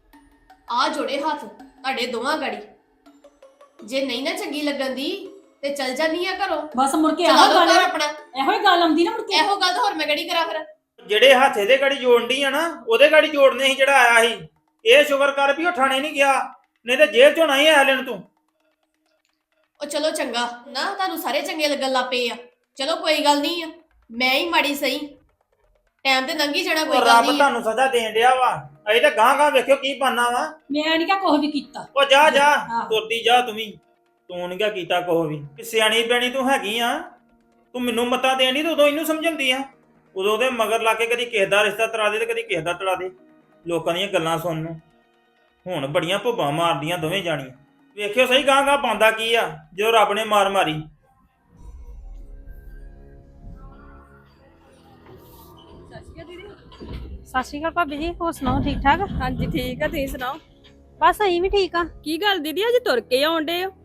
B: ਆ ਜੋੜੇ ਹੱਥ ਤੁਹਾਡੇ ਦੋਵਾਂ ਗਾੜੀ। ਜੇ ਨਹੀਂ ਨਾ ਚੰਗੀ ਲੱਗਣ ਦੀ ਤੇ ਚਲ ਜਾਨੀ ਆ ਘਰੋਂ।
C: ਬਸ ਮੁੜ ਕੇ
B: ਚਲਾ
C: ਆਹ
B: ਲਓ
C: ਗੱਲ,
B: ਘਰ ਆਪਣਾ।
C: ਇਹੋ ਹੀ ਗੱਲ ਆਉਂਦੀ ਨਾ ਮੁੜ ਕੇ।
B: ਇਹੋ ਗੱਲ ਤਾਂ ਹੋਰ ਮੈਂ ਕਿਹੜੀ ਕਰਾਂ ਫਿਰ।
G: ਜਿਹੜੇ ਹੱਥ ਇਹਦੇ ਗਾੜੀ ਜੋੜਨੀ ਆ ਨਾ, ਉਹਦੇ ਗਾੜੀ ਜੋੜਨੇ ਸੀ ਜਿਹੜਾ ਆਇਆ ਸੀ। ਇਹ ਸ਼ੁਕਰ ਕਰ ਵੀ ਉਹ ਥਾਣੇ ਨਹੀਂ ਗਿਆ, ਨਹੀਂ ਤੇ ਜੇਲ੍ਹ 'ਚੋਂ ਨਹੀਂ ਆਇਆ ਲੈਣ ਤੂੰ।
B: ਉਹ ਚਲੋ ਚੰਗਾ ਨਾ, ਤੁਹਾਨੂੰ ਸਾਰੇ ਚੰਗੇ ਲੱਗਣ ਲੱਗ ਪਏ ਆ। ਚਲੋ ਕੋਈ ਗੱਲ ਨਹੀਂ ਆ, ਮੈਂ ਹੀ ਮਾੜੀ ਸਹੀ, ਟਾਈਮ ਤੇ ਲੰਘੀ ਜਾਣਾ, ਕੋਈ
G: ਉਹ
B: ਗੱਲ
G: ਰੱਬ
B: ਨਹੀਂ।
G: ਤੁਹਾਨੂੰ ਸਜ਼ਾ ਦੇਣ ਡਿਆ ਵਾ। ਅਜੇ ਤਾਂ ਗਾਂ ਗਾਂ ਵੇਖਿਓ ਕੀ ਬਣਨਾ ਵਾ।
C: ਮੈਂ ਨਹੀਂ ਕਿਹਾ ਕੁਛ ਵੀ ਕੀਤਾ।
G: ਉਹ ਜਾ ਜਾ
C: ਆਹੋ।
G: ਤੁਰਦੀ ਜਾ ਤੂੰ ਵੀ। ਤੂੰ ਨੀ ਕਿਆ ਕੀਤਾ ਕੋਹ ਵੀ ਕਿ ਸਿਆਣੀ ਬਿਆਣੀ ਤੂੰ ਹੈਗੀ ਆ। ਤੂੰ ਮੈਨੂੰ ਮੱਤਾਂ ਦੇਣੀ ਤੇ ਉਦੋਂ ਇਹਨੂੰ ਸਮਝਾਉਂਦੀ ਆ। ਉਦੋਂ ਉਹਦੇ ਮਗਰ ਲਾ ਕੇ ਕਦੀ ਕਿਸੇ ਦਾ ਰਿਸ਼ਤਾ ਤੜਾ ਦੇ ਤੇ ਕਦੀ ਕਿਸੇ ਦਾ ਤੜਾ ਦੇ। ਲੋਕਾਂ ਦੀਆਂ ਗੱਲਾਂ ਸੁਣਨ ਨੂੰ ਹੁਣ ਬੜੀਆਂ ਭੁੱਬਾਂ ਮਾਰਦੀਆਂ ਦੋਵੇਂ ਜਾਣੀਆਂ। ਵੇਖਿਓ ਸਹੀ ਗਾਂ ਗਾਂ ਪਾਉਂਦਾ ਕੀ ਆ ਜਦੋਂ ਰੱਬ ਨੇ ਮਾਰ ਮਾਰੀ।
F: ਸਤਿ ਸ਼੍ਰੀ ਅਕਾਲ ਭਾਬੀ ਜੀ, ਹੋਰ ਸੁਣਾਓ ਠੀਕ ਠਾਕ?
A: ਹਾਂਜੀ ਠੀਕ ਆ, ਤੁਸੀਂ ਸੁਣਾਓ?
F: ਬਸ ਅਸੀਂ ਵੀ ਠੀਕ ਆ।
A: ਕੀ ਗੱਲ ਦੀਦੀ, ਅੱਜ ਤੁਰ ਕੇ ਆਉਂਦੇ ਹੋ?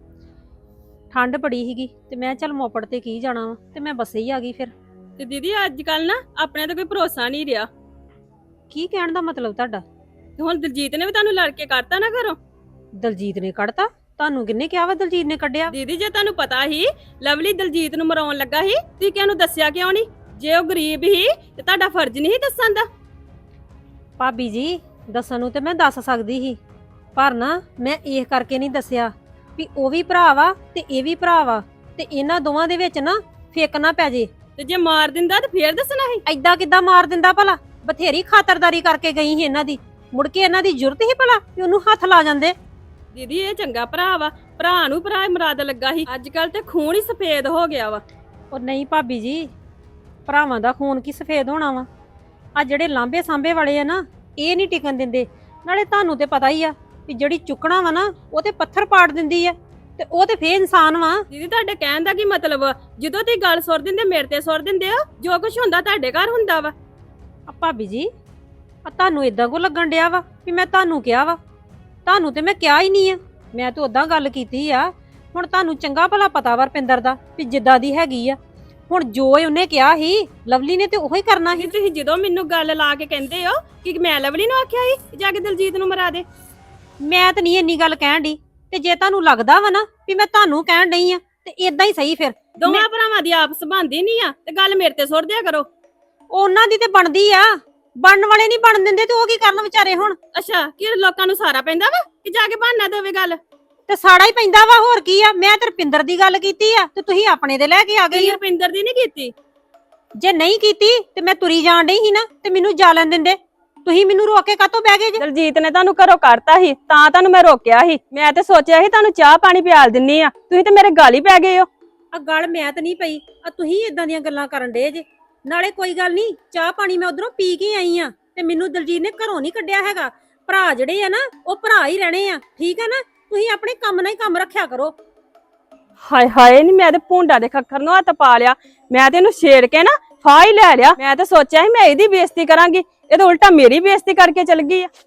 F: ਠੰਡ ਬੜੀ ਸੀਗੀ ਤੇ ਮੈਂ ਚੱਲ ਮੋਪੜ ਤੇ ਕੀ ਜਾਣਾ ਵਾ, ਤੇ ਮੈਂ ਬੱਸੇ ਹੀ ਆ ਗਈ ਫਿਰ।
A: ਤੇ ਦੀਦੀ ਅੱਜ ਕੱਲ ਨਾ ਆਪਣੇ ਤੇ ਕੋਈ ਭਰੋਸਾ ਨਹੀਂ ਰਿਹਾ।
F: ਕੀ ਕਹਿਣ ਦਾ ਮਤਲਬ ਤੁਹਾਡਾ?
A: ਤੇ ਹੁਣ ਦਲਜੀਤ ਨੇ ਵੀ ਤੁਹਾਨੂੰ ਲੜ ਕੇ ਕੱਢਤਾ ਨਾ ਘਰੋਂ।
F: ਦਲਜੀਤ ਨੇ ਕੱਢਤਾ? ਤੁਹਾਨੂੰ ਕਿੰਨੇ ਕਿਹਾ ਵਾ ਦਲਜੀਤ ਨੇ ਕੱਢਿਆ?
A: ਦੀਦੀ ਜੇ ਤੁਹਾਨੂੰ ਪਤਾ ਹੀ ਲਵਲੀ ਦਲਜੀਤ ਨੂੰ ਮਰਾਉਣ ਲੱਗਾ ਸੀ, ਤੁਸੀਂ ਕਿਹਨੂੰ ਦੱਸਿਆ ਕਿਉਂ ਨਹੀਂ? ਜੇ ਉਹ ਗਰੀਬ ਹੀ ਤੇ ਤੁਹਾਡਾ ਫਰਜ਼ ਨਹੀਂ ਸੀ ਦੱਸਣ ਦਾ।
F: ਭਾਬੀ ਜੀ ਦੱਸਣ ਨੂੰ ਤੇ ਮੈਂ ਦੱਸ ਸਕਦੀ ਸੀ, ਪਰ ਨਾ ਮੈਂ ਇਹ ਕਰਕੇ ਨਹੀਂ ਦੱਸਿਆ ਵੀ ਉਹ ਵੀ ਭਰਾ ਵਾ ਤੇ ਇਹ ਵੀ ਭਰਾ ਵਾ, ਤੇ ਇਹਨਾਂ ਦੋਵਾਂ ਦੇ ਵਿੱਚ ਨਾ ਫੇਕ ਨਾ ਪੈ ਜੇ।
A: ਤੇ ਜੇ ਮਾਰ ਦਿੰਦਾ ਤੇ ਫੇਰ ਦੱਸਣਾ ਸੀ।
F: ਐਦਾਂ ਕਿੱਦਾਂ ਮਾਰ ਦਿੰਦਾ ਭਲਾ? ਬਥੇਰੀ ਖਾਤਰਦਾਰੀ ਕਰਕੇ ਗਈ ਸੀ ਇਹਨਾਂ ਦੀ, ਮੁੜ ਕੇ ਇਹਨਾਂ ਦੀ ਜ਼ਰੂਰਤ ਹੀ ਭਲਾ ਵੀ ਉਹਨੂੰ ਹੱਥ ਲਾ ਜਾਂਦੇ।
A: ਦੀਦੀ ਇਹ ਚੰਗਾ ਭਰਾ ਵਾ, ਭਰਾ ਨੂੰ ਭਰਾ ਮੁਰਾਦ ਲੱਗਾ ਸੀ। ਅੱਜ ਕੱਲ ਤੇ ਖੂਨ ਹੀ ਸਫੇਦ ਹੋ ਗਿਆ ਵਾ।
F: ਉਹ ਨਹੀਂ ਭਾਬੀ ਜੀ, ਭਰਾਵਾਂ ਦਾ ਖੂਨ ਕੀ ਸਫੇਦ ਹੋਣਾ ਵਾ? ਆ ਜਿਹੜੇ ਲਾਂਬੇ ਸਾਂਬੇ ਵਾਲੇ ਆ ਨਾ, ਇਹ ਨਹੀਂ ਟਿਕਣ ਦਿੰਦੇ। ਨਾਲੇ ਤੁਹਾਨੂੰ ਤੇ ਪਤਾ ਹੀ ਆ ਵੀ ਜਿਹੜੀ ਚੁੱਕਣਾ ਵਾ ਨਾ, ਉਹ ਤੇ ਪੱਥਰ ਪਾੜ ਦਿੰਦੀ ਆ, ਤੇ ਉਹ ਤੇ ਫੇਰ ਇਨਸਾਨ ਵਾ।
A: ਦੀਦੀ ਤੁਹਾਡੇ ਕਹਿਣ ਦਾ ਕੀ ਮਤਲਬ ਵਾ? ਜਦੋਂ ਤੁਸੀਂ ਗੱਲ ਸੁਰ ਦਿੰਦੇ ਮੇਰੇ ਤੇ ਸੁਰ ਦਿੰਦੇ ਹੋ, ਜੋ ਕੁਝ ਹੁੰਦਾ ਤੁਹਾਡੇ ਘਰ ਹੁੰਦਾ ਵਾ।
F: ਆ ਭਾਬੀ ਜੀ, ਆ ਤੁਹਾਨੂੰ ਇਦਾਂ ਕੋ ਲੱਗਣ ਡਿਆ ਵਾ ਵੀ ਮੈਂ ਤੁਹਾਨੂੰ ਕਿਹਾ ਵਾ? ਤੁਹਾਨੂੰ ਤੇ ਮੈਂ ਕਿਹਾ ਹੀ ਨਹੀਂ ਆ, ਮੈਂ ਤਾਂ ਉਦਾਂ ਗੱਲ ਕੀਤੀ ਆ। ਹੁਣ ਤੁਹਾਨੂੰ ਚੰਗਾ ਭਲਾ ਪਤਾ ਵਾ ਰਪਿੰਦਰ ਦਾ ਵੀ ਜਿੱਦਾਂ ਦੀ ਹੈਗੀ ਆ। ਹੁਣ ਜੋ ਉਹਨੇ ਕਿਹਾ ਸੀ ਲਵਲੀ ਨੇ ਤੇ ਉਹੀ ਕਰਨਾ ਸੀ।
A: ਤੁਸੀਂ ਜਦੋਂ ਮੈਨੂੰ ਗੱਲ ਲਾ ਕੇ ਕਹਿੰਦੇ ਹੋ ਕਿ ਮੈਂ ਲਵਲੀ ਨੂੰ ਆਖਿਆ ਸੀ ਜਾ ਕੇ ਦਲਜੀਤ ਨੂੰ ਮਰਾ ਦੇ।
F: ਮੈਂ ਤਾਂ ਨਹੀਂ ਇੰਨੀ ਗੱਲ ਕਹਿਣ ਦੀ, ਤੇ ਜੇ ਤੁਹਾਨੂੰ ਲੱਗਦਾ ਵਾ ਨਾ ਵੀ ਮੈਂ ਤੁਹਾਨੂੰ ਕਹਿਣ ਡਈ ਆ ਤੇ ਇਦਾਂ ਹੀ ਸਹੀ। ਫਿਰ
A: ਦੋਵਾਂ ਭਰਾਵਾਂ ਦੀ ਆਪਸ ਬਣਦੀ ਨਹੀਂ ਆ ਤੇ ਗੱਲ ਮੇਰੇ ਤੇ ਸੁੱਟ ਦਿਆ ਕਰੋ।
F: ਉਹਨਾਂ ਦੀ ਤੇ ਬਣਦੀ ਆ, ਬਣਨ ਵਾਲੇ ਨਹੀਂ ਬਣ ਦਿੰਦੇ ਤੇ ਉਹ ਕੀ ਕਰਨ ਵਿਚਾਰੇ ਹੁਣ?
A: ਅੱਛਾ ਕੀ ਲੋਕਾਂ ਨੂੰ ਸਾਰਾ ਪੈਂਦਾ ਵਾ ਕਿ ਜਾ ਕੇ ਬਹਾਨਾ ਦੇਵੇ ਗੱਲ?
F: ਤੇ ਸਾੜਾ ਹੀ ਪੈਂਦਾ ਵਾ, ਹੋਰ ਕੀ ਆ? ਮੈਂ ਤੇ ਰਪਿੰਦਰ ਦੀ ਗੱਲ ਕੀਤੀ ਆ ਤੇ ਤੁਸੀਂ ਆਪਣੇ ਦੇ ਲੈ ਕੇ ਆ ਗਏ।
A: ਰੁਪਿੰਦਰ ਦੀ ਨਹੀਂ ਕੀਤੀ,
F: ਜੇ ਨਹੀਂ ਕੀਤੀ ਤੇ ਮੈਂ ਤੁਰੀ ਜਾਣ ਡਈ ਸੀ ਨਾ ਤੇ ਮੈਨੂੰ ਜਾ ਲੈਣ ਦਿੰਦੇ। ਤੁਸੀਂ ਮੈਨੂੰ ਰੋਕ ਕੇ ਕਾਹਤੋਂ ਬਹਿ ਗਏ ਜੇ?
A: ਦਲਜੀਤ ਨੇ ਤੁਹਾਨੂੰ ਘਰੋਂ ਕੱਢਤਾ ਸੀ ਤਾਂ ਤੁਹਾਨੂੰ ਮੈਂ ਰੋਕਿਆ ਸੀ। ਮੈਂ ਤੇ ਸੋਚਿਆ ਸੀ ਤੁਹਾਨੂੰ ਚਾਹ ਪਾਣੀ ਪਿਆਲ ਦਿੰਨੀ ਆ, ਤੁਸੀਂ ਤੇ ਮੇਰੇ ਗਾਲ ਹੀ ਪੈ ਗਏ ਹੋ।
F: ਆ ਗੱਲ ਮੈਂ ਤਾਂ ਨਹੀਂ ਪਈ, ਆ ਤੁਸੀਂ ਇਦਾਂ ਦੀਆਂ ਗੱਲਾਂ ਕਰਨ ਡੇ ਜੇ। ਨਾਲੇ ਕੋਈ ਗੱਲ ਨਹੀਂ, ਚਾਹ ਪਾਣੀ ਮੈਂ ਉਧਰੋਂ ਪੀ ਕੇ ਆਈ ਆ ਤੇ ਮੈਨੂੰ ਦਲਜੀਤ ਨੇ ਘਰੋਂ ਨਹੀਂ ਕੱਢਿਆ ਹੈਗਾ। ਭਰਾ ਜਿਹੜੇ ਆ ਨਾ ਉਹ ਭਰਾ ਹੀ ਰਹਿਣੇ ਆ, ਠੀਕ ਆ ਨਾ? ਤੁਸੀਂ ਆਪਣੇ ਕੰਮ ਨਾਲ ਹੀ ਕੰਮ ਰੱਖਿਆ ਕਰੋ।
A: ਹਾਏ ਹਾਏ ਨੀ ਮੈਂ ਤੇ ਭੁੰਡਾ ਦੇ ਖੱਖਰ ਨੂੰ ਹੱਥ ਪਾ ਲਿਆ। ਮੈਂ ਤੇ ਇਹਨੂੰ ਛੇੜ ਕੇ ਨਾ ਫਾਹ ਹੀ ਲੈ ਲਿਆ। ਮੈਂ ਤੇ ਸੋਚਿਆ ਸੀ ਮੈਂ ਇਹਦੀ ਬੇਇੱਜ਼ਤੀ ਕਰਾਂਗੀ, ਇਹ ਤਾਂ ਉਲਟਾ ਮੇਰੀ ਬੇਇੱਜ਼ਤੀ ਕਰਕੇ ਚਲ ਗਈ ਆ।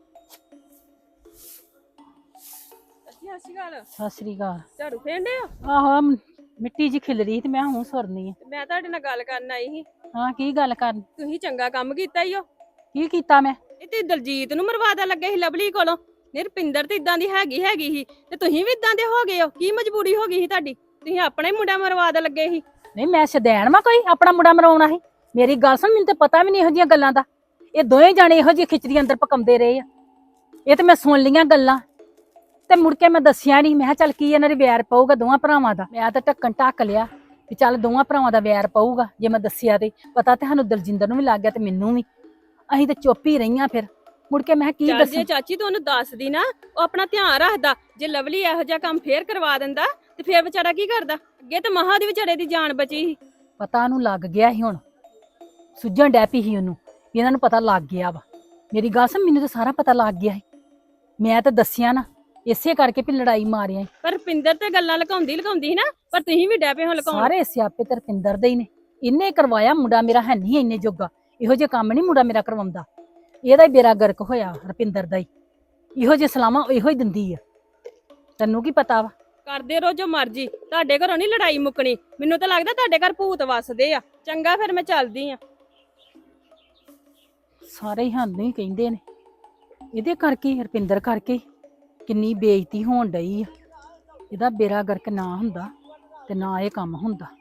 C: ਸਤਿ ਸ੍ਰੀ ਅਕਾਲ।
A: ਝਾੜੂ ਫੇਂਡੇ ਹੋ?
C: ਆਹੋ ਮਿੱਟੀ ਜੀ ਖਿਲ ਰਹੀ ਤੇ ਮੈਂ ਹੁਣ ਸੁਰਨੀ ਆ।
A: ਮੈਂ ਤੁਹਾਡੇ ਨਾਲ ਗੱਲ ਕਰਨ ਆਈ ਸੀ।
C: ਹਾਂ ਕੀ ਗੱਲ ਕਰਨ?
A: ਤੁਸੀਂ ਚੰਗਾ ਕੰਮ ਕੀਤਾ ਈ ਓ।
C: ਕੀ ਕੀਤਾ ਮੈਂ?
A: ਇਹ ਤੇ ਦਲਜੀਤ ਨੂੰ ਮਰਵਾਦਾ ਲੱਗੇ ਸੀ ਲਵਲੀ ਕੋਲੋਂ। ਨਿਰਪਿੰਦਰ ਤੇ ਇਦਾਂ ਦੀ ਹੈਗੀ ਸੀ ਤੇ ਤੁਸੀਂ ਵੀ ਇਦਾਂ ਦੇ ਹੋ ਗਏ ਹੋ। ਕੀ ਮਜਬੂਰੀ ਹੋ ਗਈ ਸੀ ਤੁਹਾਡੀ? ਤੁਸੀਂ ਆਪਣਾ ਹੀ ਮੁੰਡਾ ਮਰਵਾਦਾ ਲੱਗੇ ਸੀ।
C: ਨਹੀਂ ਮੈਂ ਸ਼ਦੈਣ ਵਾ ਕੋਈ ਆਪਣਾ ਮੁੰਡਾ ਮਰਾਉਣਾ ਸੀ? ਮੇਰੀ ਗੱਲ ਸੁਣ, ਮੈਨੂੰ ਤੇ ਪਤਾ ਵੀ ਨਹੀਂ ਇਹੋ ਜਿਹੀਆਂ ਗੱਲਾਂ ਦਾ। ਇਹ ਦੋਵੇਂ ਜਾਣੇ ਇਹੋ ਜਿਹੀ ਖਿਚੜੀ ਅੰਦਰ ਪਕਾਉਂਦੇ ਰਹੇ ਆ। ਇਹ ਤੇ ਮੈਂ ਸੁਣ ਲੀਆਂ ਗੱਲਾਂ ਤੇ ਮੁੜ ਕੇ ਮੈਂ ਦੱਸਿਆ ਨਹੀਂ। ਮੈਂ ਕਿਹਾ ਚੱਲ ਕੀ ਇਹਨਾਂ ਦੇ ਵੈਰ ਪਊਗਾ ਦੋਵਾਂ ਭਰਾਵਾਂ ਦਾ। ਮੈਂ ਤਾਂ ਢੱਕਣ ਢੱਕ ਲਿਆ ਵੀ ਚੱਲ ਦੋਵਾਂ ਭਰਾਵਾਂ ਦਾ ਵੈਰ ਪਊਗਾ। ਜੇ ਮੈਂ ਦੱਸਿਆ ਤੇ ਪਤਾ ਤੇ ਸਾਨੂੰ ਦਲਜਿੰਦਰ ਨੂੰ ਵੀ ਲੱਗ ਗਿਆ ਤੇ ਮੈਨੂੰ ਵੀ। ਅਸੀਂ ਤੇ ਚੁੱਪ ਹੀ ਰਹੀਆਂ। ਫਿਰ ਮੁੜ ਕੇ ਮੈਂ ਕੀ
A: ਚੱਲ
C: ਦੱਸਾਂ?
A: ਜੇ ਚਾਚੀ ਤੂੰ ਉਹਨੂੰ ਦੱਸਦੀ ਨਾ, ਉਹ ਆਪਣਾ ਧਿਆਨ ਰੱਖਦਾ। ਜੇ ਲਵਲੀ ਇਹੋ ਜਿਹਾ ਕੰਮ ਫੇਰ ਕਰਵਾ ਦਿੰਦਾ ਤੇ ਫੇਰ ਵਿਚਾਰਾ ਕੀ ਕਰਦਾ? ਅੱਗੇ ਤੇ ਮਹਾ ਦੀ ਵਿਚਾਰੇ ਦੀ ਜਾਨ ਬਚੀ ਸੀ।
C: ਪਤਾ ਉਹਨੂੰ ਲੱਗ ਗਿਆ ਸੀ, ਹੁਣ ਸੁੱਜਣ ਡੈ ਪਈ ਸੀ ਉਹਨੂੰ ਵੀ ਇਹਨਾਂ ਨੂੰ ਪਤਾ ਲੱਗ ਗਿਆ ਵਾ। ਮੇਰੀ ਗੱਲ ਸੁਣ, ਮੈਨੂੰ ਤਾਂ ਸਾਰਾ ਪਤਾ ਲੱਗ ਗਿਆ ਸੀ। ਮੈਂ ਤਾਂ ਦੱਸਿਆ ਨਾ, ਇਸੇ ਕਰਕੇ ਵੀ ਲੜਾਈ ਮਾਰਿਆ।
A: ਪਰ ਰੁਪਿੰਦਰ ਤੇ ਗੱਲਾਂ ਲੁਕਾਉਂਦੀ ਸੀ ਨਾ, ਪਰ ਤੁਸੀਂ ਵੀ ਡੈ ਪਏ ਹੋ ਲੁਕਾਉਣ।
C: ਸਾਰੇ ਸਿਆਪੇ ਤੇ ਰੁਪਿੰਦਰ ਦੇ ਹੀ ਨੇ। ਇਹਨੇ ਕਰਵਾਇਆ, ਮੁੰਡਾ ਮੇਰਾ ਹੈ ਨਹੀਂ ਇੰਨੇ ਜੋਗਾ। ਇਹੋ ਜਿਹੇ ਕੰਮ ਨਹੀਂ ਮੁੰਡਾ ਮੇਰਾ ਕਰਵਾਉਂਦਾ। ਇਹਦਾ ਹੀ ਬੇੜਾ ਗਰਕ ਹੋਇਆ ਰੁਪਿੰਦਰ ਦਾ ਹੀ। ਇਹੋ ਜਿਹੇ ਸਲਾਮਾਂ ਇਹੋ ਹੀ ਦਿੰਦੀ ਆ। ਤੈਨੂੰ ਕੀ ਪਤਾ ਵਾ?
A: ਕਰਦੇ ਰਹੋ ਜੋ ਮਰਜੀ, ਤੁਹਾਡੇ ਘਰੋਂ ਨਹੀਂ ਲੜਾਈ ਮੁੱਕਣੀ। ਮੈਨੂੰ ਤਾਂ ਲੱਗਦਾ ਤੁਹਾਡੇ ਘਰ ਭੂਤ ਵੱਸਦੇ ਆ। ਚੰਗਾ ਫਿਰ ਮੈਂ ਚੱਲਦੀ ਆ।
C: ਸਾਰੇ ਹੀ ਸਾਨੂੰ ਹੀ ਕਹਿੰਦੇ ਨੇ। ਇਹਦੇ ਕਰਕੇ ਰੁਪਿੰਦਰ ਕਰਕੇ ਕਿੰਨੀ ਬੇਇੱਜ਼ਤੀ ਹੋਣ ਡਈ ਆ। ਇਹਦਾ ਬੇੜਾ ਗਰਕ ਨਾ ਹੁੰਦਾ ਤੇ ਨਾ ਇਹ ਕੰਮ ਹੁੰਦਾ।